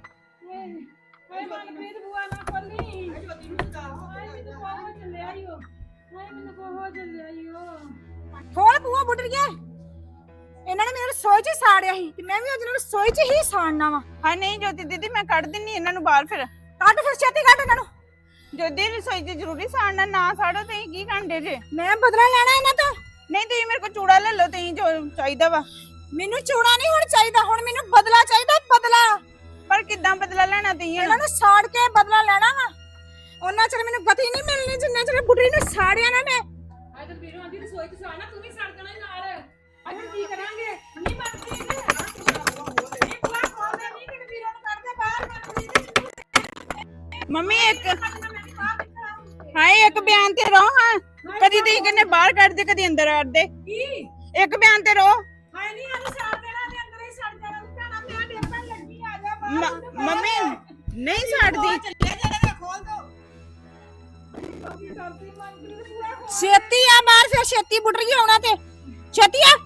[SPEAKER 3] ਖੋਲ ਬੂਹਾ ਬੁੱਢ ਗਿਆ। ਇਹਨਾਂ ਨੇ ਮੇਰੇ ਰਸੋਈ 'ਚ ਹੀ ਸਾੜਿਆ ਸੀ ਤੇ ਮੈਂ ਵੀ ਅੱਜ ਨਾਲ ਰਸੋਈ 'ਚ ਹੀ ਸਾੜਨਾ ਵਾ।
[SPEAKER 4] ਹਾਏ ਨਹੀਂ ਜੋਤੀ ਦੀਦੀ ਮੈਂ ਕੱਢ ਦਿੰਨੀ ਇਹਨਾਂ ਨੂੰ ਬਾਹਰ। ਫਿਰ
[SPEAKER 3] ਕੱਢ ਫਿਰ ਛੇਤੀ ਕੱਢ ਇਹਨਾਂ ਨੂੰ।
[SPEAKER 4] ਜੋਤੀ ਰਸੋਈ 'ਚ ਜ਼ਰੂਰੀ ਸਾੜਨਾ, ਨਾ ਸਾੜੋ ਤੁਸੀਂ ਕੀ ਘੰਟੇ ਜੇ।
[SPEAKER 3] ਮੈਂ ਬਦਲਾ ਲੈਣਾ ਇਹਨਾਂ ਤੋਂ।
[SPEAKER 4] ਨਹੀਂ ਤੁਸੀਂ ਮੇਰੇ ਕੋਲ ਚੂੜਾ ਲੈ ਲਓ, ਤੁਸੀਂ ਜੋ ਚਾਹੀਦਾ ਵਾ।
[SPEAKER 3] ਮੈਨੂੰ ਚੂੜਾ ਨਹੀਂ ਹੁਣ ਚਾਹੀਦਾ, ਹੁਣ ਮੈਨੂੰ ਬਦਲਾ ਚਾਹੀਦਾ, ਬਦਲਾ।
[SPEAKER 4] ਪਰ ਕਿੱਦਾਂ ਬਦਲਾ ਲੈਣਾ ਤੁਸੀਂ?
[SPEAKER 3] ਇਹਨਾਂ ਨੂੰ ਸਾੜ ਕੇ ਬਦਲਾ ਲੈਣਾ ਵਾ। ਉਹਨਾਂ ਚਿਰ ਮੈਨੂੰ ਗਤੀ ਨਹੀਂ ਮਿਲਣੀ ਜਿੰਨੇ ਚਿਰ ਬੁੱਢੀ ਨੂੰ ਸਾੜਿਆ ਨਾ ਮੈਂ।
[SPEAKER 6] ਹਾਏ ਤੇ ਵੀਰੋ ਆਂਦੀ ਰਸੋਈ ਚ ਸਾਣਾ, ਤੂੰ ਵੀ ਸੜ ਜਾਣਾ ਨਾਲ। ਅੱਜ ਕੀ ਕਰਾਂਗੇ? ਨਹੀਂ ਮਰਦੀ ਨੇ ਇਹ ਬੁਆ ਖੋਲਦੇ ਨਹੀਂ ਕਿ ਵੀਰੋ ਨੂੰ ਕੱਢ ਦੇ ਬਾਹਰ।
[SPEAKER 4] ਮੰਮੀ ਇੱਕ ਹਾਏ ਇੱਕ ਬਿਆਨ ਤੇ ਰਹੋ। ਹਾਂ ਕਦੀ ਤੁਸੀਂ ਕਹਿੰਦੇ ਬਾਹਰ ਕੱਢ ਦੇ, ਕਦੀ ਅੰਦਰ ਕੱਢ ਦੇ।
[SPEAKER 6] ਕੀ
[SPEAKER 4] ਇੱਕ ਬਿਆਨ ਤੇ ਰਹੋ।
[SPEAKER 6] ਹਾਏ ਨਹੀਂ ਅੱਜ ਸਾੜ ਦੇਣਾ ਤੇ ਅੰਦਰ ਹੀ ਸੜ ਜਾਣਾ। ਭੈਣਾ ਮੈਂ ਡੇਪਣ ਲੱਗੀ, ਆ ਜਾ ਬਾਹਰ।
[SPEAKER 4] ਮ- ਮੰਮੀ ਨਹੀਂ ਛੱਡਦੀ।
[SPEAKER 6] ਚੱਲਿਆ ਜਾਣਾ, ਖੋਲ ਦੋ।
[SPEAKER 3] ਛੇਤੀ ਆ ਬਾਹਰ, ਫਿਰ ਛੇਤੀ ਬੁੱਢੀ ਆਉਣਾ ਤੇ ਛੇਤੀ ਆ।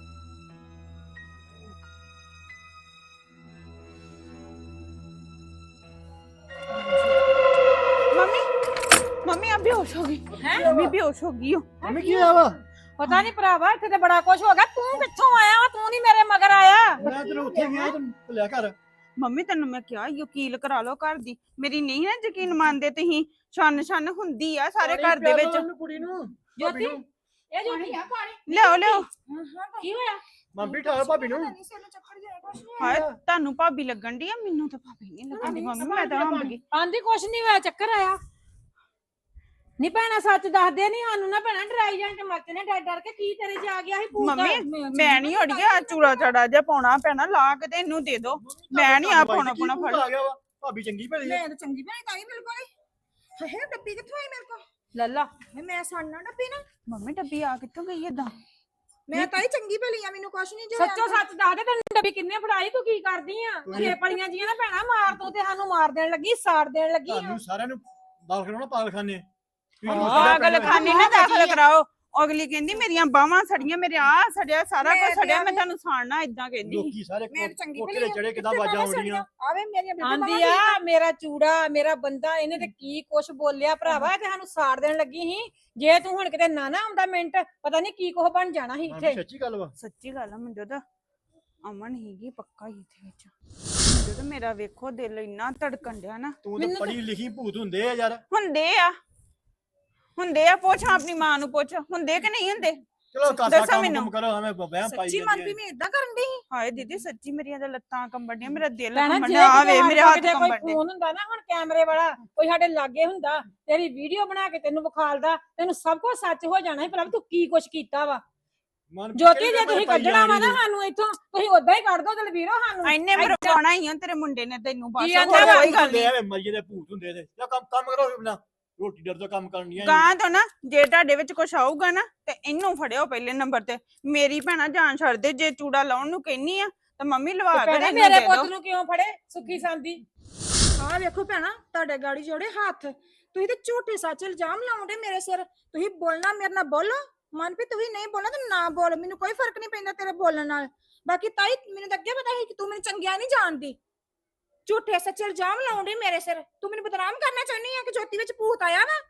[SPEAKER 4] ਮੰਮੀ ਮੰਮੀ ਆ ਬੇਹੋਸ਼ ਹੋ ਗਈ। ਮੰਮੀ ਬੇਹੋਸ਼ ਹੋ ਗਈ।
[SPEAKER 5] ਮੰਮੀ ਕੀ ਆ ਵਾ?
[SPEAKER 6] ਪਤਾ ਨਹੀਂ ਭਰਾਵਾ, ਇੱਥੇ ਤੇ ਬੜਾ ਕੁਝ ਹੋ ਗਿਆ। ਤੂੰ ਕਿੱਥੋਂ ਆਇਆ ਵਾ? ਤੂੰ ਨਹੀਂ ਮੇਰੇ ਮਗਰ ਆਇਆ।
[SPEAKER 5] ਮੈਂ ਤੈਨੂੰ ਉੱਥੇ ਗਿਆ ਤੈਨੂੰ ਲਿਆ ਘਰ।
[SPEAKER 4] ਮੰਮੀ ਤੈਨੂੰ ਮੈਂ ਕਿਹਾ ਵਕੀਲ ਕਰਾ ਲਓ ਘਰ ਦੀ। ਮੇਰੀ ਨਹੀਂ ਨਾ ਯਕੀਨ ਮੰਨਦੇ ਤੁਸੀਂ। ਛੰਨ ਛੰਨ ਹੁੰਦੀ ਆ ਸਾਰੇ ਘਰ ਦੇ ਵਿੱਚ।
[SPEAKER 5] ਕੁੜੀ ਨੂੰ
[SPEAKER 6] ਜੋਤੀ ਇਹ ਜੋਤੀ ਆ ਪਾਣੀ
[SPEAKER 4] ਲਿਆਓ ਲਿਆਓ।
[SPEAKER 6] ਕੀ ਹੋਇਆ?
[SPEAKER 5] ਮੰਮੀ ਠਾਲ ਭਾਬੀ ਨੂੰ।
[SPEAKER 4] ਹਾਏ ਤੁਹਾਨੂੰ ਭਾਬੀ ਲੱਗਣ ਦੀ ਆ, ਮੈਨੂੰ ਤਾਂ ਭਾਬੀ ਨਹੀਂ ਲੱਗਦੀ। ਮੰਮੀ ਮੈਂ ਤਾਂ ਹੰਬ ਗਈ।
[SPEAKER 6] ਆਂਦੀ ਕੁਛ ਨਹੀਂ ਹੋਇਆ, ਚੱਕਰ ਆਇਆ। ਨਹੀਂ ਭੈਣਾ ਸੱਚ ਦੱਸਦੇ ਨਹੀਂ ਸਾਨੂੰ ਨਾ ਭੈਣਾ, ਡਰਾਈ ਜਾਂ ਟਮਰਚ ਨੇ ਡਰ ਡਰ ਕੇ। ਕੀ ਤੇਰੇ ਚ ਆ ਗਿਆ ਸੀ ਭੂਤ?
[SPEAKER 4] ਮੰਮੀ ਮੈਂ ਨਹੀਂ ਉੜ ਗਿਆ। ਚੂੜਾ ਚਾੜਾ ਜਿਹਾ ਪਾਉਣਾ ਪੈਣਾ, ਲਾ ਕੇ ਤੇ ਇਹਨੂੰ ਦੇ ਦੋ। ਮੈਂ ਨਹੀਂ ਆ ਪਾਉਣਾ ਪਾਉਣਾ ਫੜ।
[SPEAKER 5] ਆ ਗਿਆ ਵਾ ਭਾਬੀ ਚੰਗੀ ਭਲੀ ਆ।
[SPEAKER 3] ਮੈਂ ਤਾਂ ਚੰਗੀ ਭਲੀ ਤਾਂ ਹੀ ਬਿਲਕੁਲ ਹੀ। ਹੇ ਡੱਬੀ ਕਿੱਥੋਂ ਆਈ ਮੇਰੇ ਕੋਲ
[SPEAKER 6] ਲੱਲਾ
[SPEAKER 3] ਮੈਂ ਸਾੜਨਾ ਡੱਬੀ ਨਾ
[SPEAKER 4] ਮੰਮੀ ਡੱਬੀ ਆ ਕਿੱਥੋਂ ਗਈ ਏਦਾਂ?
[SPEAKER 3] ਮੈਂ ਤਾਂ ਹੀ ਚੰਗੀ ਭਲੀ ਆ ਮੈਨੂੰ ਕੁਛ ਨਹੀਂ ਜੋ
[SPEAKER 6] ਸੱਚੋ ਸੱਚ ਦੱਸ ਦੇ ਤੈਨੂੰ ਡੱਬੀ ਕਿੰਨੇ ਫੜਾਈ ਤੂੰ ਕੀ ਕਰਦੀ ਆ ਛੇ ਪਲੀਆਂ ਜੀਆਂ ਨਾ ਭੈਣਾ ਮਾਰ ਤੂੰ ਤੇ ਸਾਨੂੰ ਮਾਰ ਦੇਣ ਲੱਗੀ ਸਾੜ ਦੇਣ ਲੱਗੀ ਆ।
[SPEAKER 5] ਤੁਹਾਨੂੰ ਸਾਰਿਆਂ ਨੂੰ ਦਾਖਲ ਕਰਾਉਣਾ ਪਾਗਲਖਾਨੇ।
[SPEAKER 4] ਪਾਗਲ ਖਾਨੇ ਨਾ ਦਾਖਲ ਕਰਾਓ। ਅਗਲੀ ਕਹਿੰਦੀ ਮੇਰੀਆਂ ਬਾਹਾਂ ਸੜੀਆਂ, ਮੇਰੇ ਆ ਸੜਿਆ, ਸਾਰਾ ਕੁਝ ਸੜਿਆ, ਮੈਂ ਤੁਹਾਨੂੰ ਸਾੜਨਾ ਇਦਾਂ ਕਹਿੰਦੀ ਸੀ।
[SPEAKER 5] ਲੋਕੀ ਸਾਰੇ
[SPEAKER 3] ਮੈਂ ਚੰਗੀ
[SPEAKER 5] ਕੋਠੇ
[SPEAKER 3] ਭਲੀ
[SPEAKER 5] ਤੇ ਚੜੇ ਕਿਦਾਂ ਆਵਾਜ਼ਾਂ ਆਉਂਦੀਆਂ।
[SPEAKER 3] ਆਵੇ ਮੇਰੀਆਂ ਬਿਲਕੁਲ
[SPEAKER 6] ਆਂਦੀ ਆ ਮੇਰਾ ਚੂੜਾ ਮੇਰਾ ਬੰਦਾ ਇਹਨੇ ਤੇ ਕੀ ਕੁਛ ਬੋਲਿਆ ਭਰਾਵਾ ਤੇ ਸਾਨੂੰ ਸਾੜ ਦੇਣ ਲੱਗੀ ਸੀ। ਜੇ ਤੂੰ ਹੁਣ ਕਿਤੇ ਨਾ ਨਾ ਆਉਂਦਾ ਮਿੰਟ ਪਤਾ ਨਹੀਂ ਕੀ ਕੁਛ ਬਣ ਜਾਣਾ ਸੀ ਇੱਥੇ।
[SPEAKER 5] ਸੱਚੀ ਗੱਲ ਵਾ।
[SPEAKER 4] ਸੱਚੀ ਗੱਲ ਆ ਮੁੰਡੇ ਦਾ ਅਮਨ ਹੀਗੀ ਪੱਕਾ ਹੀ ਇੱਥੇ ਵਿੱਚ। ਜਦੋਂ ਮੇਰਾ ਵੇਖੋ ਦਿਲ ਇੰਨਾ ਧੜਕਣ ਡਿਆ ਨਾ।
[SPEAKER 5] ਤੂੰ ਤਾਂ ਪੜ੍ਹੀ ਲਿਖੀ ਭੂਤ ਹੁੰਦੇ ਆ ਯਾਰ।
[SPEAKER 4] ਹੁੰਦੇ ਆ ਹੁੰਦੇ ਆ ਪੁੱਛ ਆਪਣੀ ਮਾਂ ਨੂੰ ਪੁੱਛ, ਹੁੰਦੇ ਕਿ ਨਹੀਂ ਹੁੰਦੇ?
[SPEAKER 5] ਚਲੋ ਕਾਸਾ
[SPEAKER 4] ਦੱਸੋ
[SPEAKER 5] ਕੰਮ
[SPEAKER 4] ਮੈਨੂੰ।
[SPEAKER 5] ਕੰਮ ਕਰੋ ਐਵੇਂ ਵਹਿਮ ਪਾਈ
[SPEAKER 3] ਸੱਚੀ
[SPEAKER 5] ਜਾਂਦੀ
[SPEAKER 3] ਮਨਪੀ
[SPEAKER 5] ਹੈ।
[SPEAKER 3] ਮੈਂ ਇਦਾਂ ਕਰਨ ਦੀ
[SPEAKER 4] ਹਾਏ ਦੀਦੀ ਸੱਚੀ ਮੇਰੀਆਂ ਤਾਂ ਲੱਤਾਂ ਕੰਬਣ ਡੀਆਂ, ਮੇਰਾ ਦਿਲ
[SPEAKER 6] ਭੈਣਾ
[SPEAKER 4] ਕੰਬਣ
[SPEAKER 6] ਜੇ
[SPEAKER 4] ਡਿਆ, ਆ ਵੇ
[SPEAKER 6] ਕਿਤੇ
[SPEAKER 4] ਮੇਰੇ
[SPEAKER 6] ਸਾਡੇ
[SPEAKER 4] ਹੱਥ
[SPEAKER 6] ਕਿਤੇ ਕੋਈ
[SPEAKER 4] ਕੰਬਣ ਡੇ।
[SPEAKER 6] ਫੋਨ ਹੁੰਦਾ ਨਾ ਹੁਣ ਕੈਮਰੇ ਵਾਲਾ ਕੋਈ ਸਾਡੇ ਲਾਗੇ ਹੁੰਦਾ ਤੇਰੀ ਵੀਡੀਓ ਬਣਾ ਕੇ ਤੈਨੂੰ ਵਿਖਾਲਦਾ ਤੈਨੂੰ ਸਭ ਕੁਝ ਸੱਚ ਹੋ ਜਾਣਾ ਸੀ ਭਲਾ ਤੂੰ ਕੀ ਕੁਛ ਕੀਤਾ ਵਾ।
[SPEAKER 5] ਮਨ
[SPEAKER 6] ਜੋਤੀ ਜੇ ਤੁਸੀਂ
[SPEAKER 5] ਪਾਈ
[SPEAKER 6] ਕੱਢਣਾ ਵਾ ਨਾ
[SPEAKER 5] ਜਾਣੀ
[SPEAKER 6] ਸਾਨੂੰ ਇੱਥੋਂ ਤੁਸੀਂ ਉਦਾਂ ਹੀ ਕੱਢ ਦੋ ਦਲਵੀਰੋ ਸਾਨੂੰ।
[SPEAKER 4] ਐਨੇ ਮਰਵਾਉਣਾ ਹੀ ਆ ਤੇਰੇ ਮੁੰਡੇ ਨੇ ਤੈਨੂੰ ਬਸ,
[SPEAKER 6] ਕੀ
[SPEAKER 4] ਹੋਰ
[SPEAKER 6] ਆਂਦਾ ਵਾ?
[SPEAKER 4] ਕੋਈ ਗੱਲ ਨਹੀਂ।
[SPEAKER 5] ਐਵੇਂ ਮਰੀਏ ਦੇ ਭੂਤ ਹੁੰਦੇ ਤੇ ਜਾਂ ਕੰਮ ਕੰਮ ਕਰੋ ਬਿਨਾ ਰੋਟੀ ਡਰ ਤੋਂ ਕੰਮ ਕਰਨੀਆਂ।
[SPEAKER 4] ਗਾਂ ਤੋਂ ਨਾ ਜੇ ਤੁਹਾਡੇ ਵਿੱਚ ਕੁਝ ਆਊਗਾ ਨਾ ਤੇ ਇਹਨੂੰ ਫੜਿਓ ਪਹਿਲੇ ਨੰਬਰ ਤੇ। ਮੇਰੀ ਭੈਣਾ ਜਾਨ ਛੱਡ ਦੇ, ਜੇ ਚੂੜਾ ਲਾਉਣ ਨੂੰ ਕਹਿਨੀ ਆ ਤਾਂ ਮੰਮੀ ਲਵਾ ਕੇ
[SPEAKER 6] ਭੈਣਾ
[SPEAKER 4] ਇਹਨੂੰ
[SPEAKER 6] ਮੇਰੇ
[SPEAKER 4] ਦੇ
[SPEAKER 6] ਪੁੱਤ
[SPEAKER 4] ਦਿਓ।
[SPEAKER 6] ਨੂੰ ਕਿਉਂ ਫੜੇ ਸੁੱਖੀ ਸੰਦੀ।
[SPEAKER 3] ਆਹ ਵੇਖੋ ਭੈਣਾ ਤੁਹਾਡੇ ਗਾੜੀ ਜੋੜੇ ਹੱਥ, ਤੁਸੀਂ ਤੇ ਝੂਠੇ ਸੱਚ ਇਲਜ਼ਾਮ ਲਾਉਂਦੇ ਮੇਰੇ ਸਿਰ। ਤੁਸੀਂ ਬੋਲਣਾ ਮੇਰੇ ਨਾਲ ਬੋਲੋ, ਮਨਪ੍ਰੀਤ ਤੁਸੀਂ ਨਹੀਂ ਬੋਲਣਾ ਤਾਂ ਨਾ ਬੋਲ, ਮੈਨੂੰ ਕੋਈ ਫਰਕ ਨਹੀਂ ਪੈਂਦਾ ਤੇਰੇ ਬੋਲਣ ਨਾਲ। ਬਾਕੀ ਤਾਈ ਮੈਨੂੰ ਤਾਂ ਅੱਗੇ ਪਤਾ ਸੀ ਕਿ ਤੂੰ ਮੈਨੂੰ ਚੰਗਿਆ ਨਹੀਂ ਜਾਣਦੀ। ਝੂਠੇ ਸੱਚ ਇਲਜ਼ਾਮ ਲਾਉਂਦੇ ਮੇਰੇ ਸਿਰ, ਤੂੰ ਮੈਨੂੰ ਬਦਨਾਮ ਕਰਨਾ ਚਾਹੁੰਦੀ ਆ ਕਿ ਜੋਤੀ ਵਿੱਚ ਭੂਤ ਆਇਆ ਵਾ।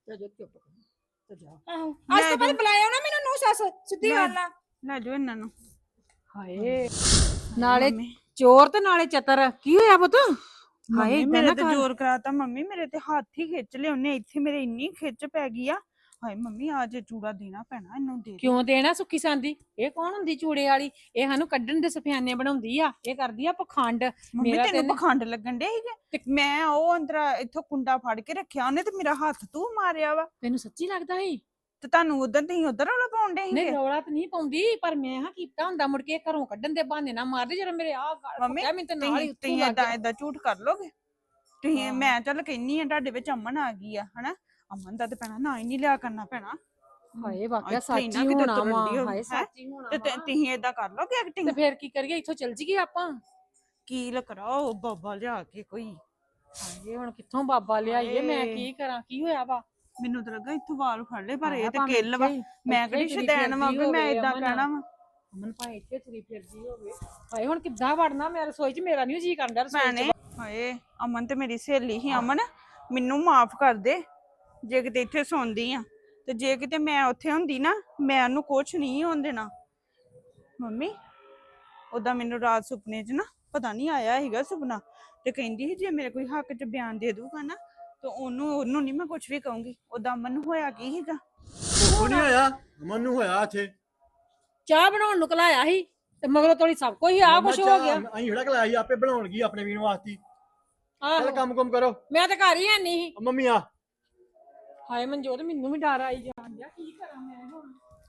[SPEAKER 3] ਆਹੋ ਅੱਜ ਤੋਂ ਬਾਅਦ ਬੁਲਾਇਓ ਨਾ ਮੈਨੂੰ ਨੂੰ ਸੱਸ, ਸਿੱਧੀ ਗੱਲ ਆ।
[SPEAKER 4] ਲੈ ਜੋ ਇਹਨਾਂ ਨੂੰ।
[SPEAKER 6] ਹਾਏ ਨਾਲੇ ਚੋਰ ਤੇ ਨਾਲੇ ਚਤਰ ਕੀ ਹੋਇਆ ਪੁੱਤ?
[SPEAKER 4] ਹਾਏ ਮੇਰੇ ਤੇ ਜ਼ੋਰ ਕਰਾਤਾ ਮੰਮੀ, ਮੇਰੇ ਤੇ ਹੱਥ ਹੀ ਖਿੱਚ ਲਏ ਉਹਨੇ, ਇੱਥੇ ਮੇਰੇ ਇੰਨੀ ਖਿੱਚ ਪੈ ਗਈ ਆ। ਹਾਏ ਮੰਮੀ ਆ ਜੇ ਚੂੜਾ ਦੇਣਾ ਪੈਣਾ ਇਹਨੂੰ, ਦੇ ਦੇ।
[SPEAKER 6] ਕਿਉਂ ਦੇਣਾ ਸੁੱਖੀ ਸੰਦੀ? ਇਹ ਕੌਣ ਹੁੰਦੀ ਚੂੜੇ ਵਾਲੀ? ਇਹ ਸਾਨੂੰ ਕੱਢਣ ਦੇ ਸਫਿਆਨੇ ਬਣਾਉਂਦੀ ਆ, ਇਹ ਕਰਦੀ ਆ ਪਖੰਡ।
[SPEAKER 4] ਮੰਮੀ
[SPEAKER 6] ਮੇਰਾ
[SPEAKER 4] ਤੈਨੂੰ
[SPEAKER 6] ਤੈਨੂੰ-
[SPEAKER 4] ਪਖੰਡ ਲੱਗਣ ਡੇ ਸੀਗੇ? ਮੈਂ ਉਹ ਅੰਦਰ ਇੱਥੋਂ ਕੁੰਡਾ ਫੜ ਕੇ ਰੱਖਿਆ ਉਹਨੇ ਤੇ ਮੇਰਾ ਹੱਥ ਤੂੰ ਮਾਰਿਆ ਵਾ।
[SPEAKER 6] ਤੈਨੂੰ ਸੱਚੀ ਲੱਗਦਾ ਸੀ?
[SPEAKER 4] ਤੇ ਤੁਹਾਨੂੰ ਉਧਰ ਤੁਸੀਂ ਉਧਰ ਰੌਲਾ ਪਾਉਣ ਡੇ
[SPEAKER 6] ਨਹੀਂ
[SPEAKER 4] ਸੀਗੇ?
[SPEAKER 6] ਰੌਲਾ ਤਾਂ ਨਹੀਂ ਪਾਉਂਦੀ ਪਰ ਮੈਂ ਹਾਂ ਕੀਤਾ ਹੁੰਦਾ ਮੁੜ ਕੇ ਘਰੋਂ ਕੱਢਣ ਦੇ ਬਹਾਨੇ ਨਾ ਮਾਰਦੇ ਜਦੋਂ ਮੇਰੇ ਆਹ ਗਾਲ
[SPEAKER 4] ਮੰਮੀ,
[SPEAKER 6] ਪੱਕਿਆ ਮੈਨੂੰ ਤੇ ਨਾਲ ਹੀ
[SPEAKER 4] ਤੁਸੀਂ
[SPEAKER 6] ਉੱਤੋਂ
[SPEAKER 4] ਤੁਸੀਂ
[SPEAKER 6] ਲੱਗ
[SPEAKER 4] ਏਦਾਂ
[SPEAKER 6] ਗਿਆ।
[SPEAKER 4] ਏਦਾਂ ਝੂਠ ਕਰ ਲੋਗੇ ਤੁਸੀਂ?
[SPEAKER 6] ਹਾਂ।
[SPEAKER 4] ਮੈਂ ਚੱਲ ਕਹਿੰਨੀ ਆ ਤੁਹਾਡੇ ਵਿੱਚ ਅਮਨ ਆ ਗਈ ਆ ਹਨਾ, ਅਮਨ ਦਾ ਤੇ ਪੈਣਾ ਨਾ ਹੀ ਨਹੀਂ ਲਿਆ ਕਰਨਾ ਪੈਣਾ।
[SPEAKER 6] ਹਾਏ ਵਾਕਿਆ
[SPEAKER 4] ਇੱਥੇ ਹੀ
[SPEAKER 6] ਸੱਚ
[SPEAKER 4] ਨਾ
[SPEAKER 6] ਹੀ
[SPEAKER 4] ਕਿਤੇ
[SPEAKER 6] ਹੋਣਾ
[SPEAKER 4] ਤੁਰਨ
[SPEAKER 6] ਵਾ।
[SPEAKER 4] ਡਈ ਹੋਵੇ,
[SPEAKER 6] ਹਾਏ
[SPEAKER 4] ਹੈਂ?
[SPEAKER 6] ਸੱਚ ਹੀ ਹੋਣਾ
[SPEAKER 4] ਤੇ ਤੇ
[SPEAKER 6] ਵਾ।
[SPEAKER 4] ਤੁਸੀਂ ਏਦਾਂ ਕਰ ਲੋਗੇ ਐਕਟਿੰਗ?
[SPEAKER 6] ਤੇ ਫੇਰ ਕੀ ਕਰੀਏ ਇੱਥੋਂ ਚੱਲ ਜੀਏ ਆਪਾਂ।
[SPEAKER 4] ਕੀ ਲਕਰਾਓ ਬਾਬਾ ਲਿਆ ਕੇ ਕੋਈ।
[SPEAKER 6] ਹਾਏ ਹੁਣ ਕਿੱਥੋਂ ਬਾਬਾ ਲਿਆਈਏ ਮੈਂ
[SPEAKER 4] ਹਾਏ।
[SPEAKER 6] ਕੀ ਕਰਾਂ ਕੀ ਹੋਇਆ ਵਾ?
[SPEAKER 4] ਮੈਨੂੰ ਤਾਂ ਲੱਗਾ ਇੱਥੋਂ ਵਾਲ ਫੜ ਲਏ ਪਰ ਇਹ
[SPEAKER 6] ਆਇਆ
[SPEAKER 4] ਤੇ
[SPEAKER 6] ਭਾਵੇਂ
[SPEAKER 4] ਕਿੱਲ ਵਾ।
[SPEAKER 6] ਇੱਥੇ ਹੀ-
[SPEAKER 4] ਮੈਂ
[SPEAKER 6] ਇੱਥੇ ਹੀ
[SPEAKER 4] ਕਿਹੜੀ
[SPEAKER 6] ਤੁਰੀ
[SPEAKER 4] ਸ਼ਦੈਨ ਵਾ ਵੀ
[SPEAKER 6] ਫਿਰਦੀ
[SPEAKER 4] ਮੈਂ
[SPEAKER 6] ਹੋਵੇ
[SPEAKER 4] ਏਦਾਂ
[SPEAKER 6] ਅਮਨ।
[SPEAKER 4] ਕਹਿਣਾ ਵਾ।
[SPEAKER 6] ਅਮਨ ਭਾਵੇਂ ਇੱਥੇ ਤੁਰੀ ਫਿਰਦੀ ਹੋਵੇ। ਹਾਏ ਹੁਣ ਕਿੱਦਾਂ ਵੜਨਾ ਮੈਂ ਰਸੋਈ 'ਚ? ਮੇਰਾ ਨਹੀਂ ਜੀ ਕਰਦਾ ਰਸੋਈ 'ਚ।
[SPEAKER 4] ਭੈਣੇ ਹਾਏ ਅਮਨ ਤੇ ਮੇਰੀ ਸਹੇਲੀ ਹੀ। ਅਮਨ ਮੈਨੂੰ ਮਾਫ ਕਰ ਦੇ ਜੇ ਕਿਤੇ ਇੱਥੇ ਸੌਂਦੀ ਆ, ਤੇ ਜੇ ਕਿਤੇ ਮੈਂ ਉੱਥੇ ਹੁੰਦੀ ਨਾ ਮੈਂ ਉਹਨੂੰ ਕੁਛ ਨਹੀਂ ਹੋਣ ਦੇਣਾ। ਮੰਮੀ ਉਦਾਂ ਮੈਨੂੰ ਰਾਤ ਸੁਪਨੇ 'ਚ ਨਾ ਪਤਾ ਨਹੀਂ ਆਇਆ ਸੀਗਾ ਸੁਪਨਾ, ਤੇ ਕਹਿੰਦੀ ਸੀ ਜੇ ਮੇਰੇ ਕੋਈ ਹੱਕ 'ਚ ਬਿਆਨ ਦੇ ਦੂਗਾ ਨਾ ਤੇ ਉਹਨੂੰ ਉਹਨੂੰ ਨਹੀਂ ਮੈਂ ਕੁਛ ਵੀ ਕਹੂੰਗੀ। ਉਦਾਂ ਅਮਨ ਨੂੰ ਹੋਇਆ ਕੀ ਸੀਗਾ?
[SPEAKER 5] ਕੁਛ ਨਹੀਂ ਹੋਇਆ, ਅਮਨ ਨੂੰ ਹੋਇਆ ਇੱਥੇ।
[SPEAKER 6] ਚਾਹ ਬਣਾਉਣ ਨੂੰ ਕਲਾਇਆ ਸੀ ਤੇ ਮਗਰੋਂ ਤੋੜੀ ਸਭ ਕੁਝ ਆ ਕੁਛ ਹੋ ਗਿਆ।
[SPEAKER 5] ਅਸੀਂ ਜਿਹੜਾ ਕਲਾਇਆ ਸੀ ਆਪੇ ਬਣਾਉਣਗੀ ਆਪਣੇ ਵੀਰ ਵਾਸਤੇ। ਚੱਲ
[SPEAKER 6] ਆਹੋ
[SPEAKER 5] ਕੰਮ ਕੰਮ ਕਰੋ।
[SPEAKER 6] ਮੈਂ ਤਾਂ ਘਰ ਹੀ ਹੈ ਨਹੀਂ ਸੀ।
[SPEAKER 5] ਮੰਮੀ ਆ
[SPEAKER 6] ਹਾਏ ਮਨਜੋਤ ਮੈਨੂੰ ਵੀ ਡਰ ਆਈ ਜਾਣ ਡਿਆ ਕੀ ਕਰਾਂ ਮੈਂ ਹੁਣ?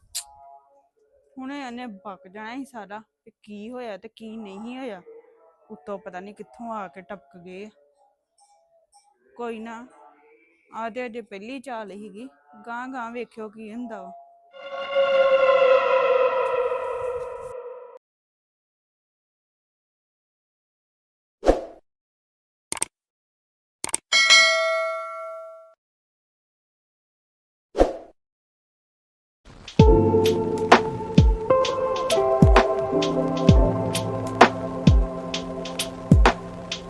[SPEAKER 4] ਹੁਣੇ ਇਹਨੇ ਪੱਕ ਜਾਣਾ ਸੀ ਸਾਰਾ ਤੇ ਕੀ ਹੋਇਆ ਤੇ ਕੀ ਨਹੀਂ ਹੋਇਆ। ਉੱਤੋਂ ਪਤਾ ਨਹੀਂ ਕਿੱਥੋਂ ਆ ਕੇ ਟਪਕ ਗਏ। ਕੋਈ ਨਾ ਆ ਤੇ ਅਜੇ ਪਹਿਲੀ ਚਾਲ ਸੀਗੀ, ਗਾਂ ਗਾਂ ਵੇਖਿਓ ਕੀ ਹੁੰਦਾ ਵਾ।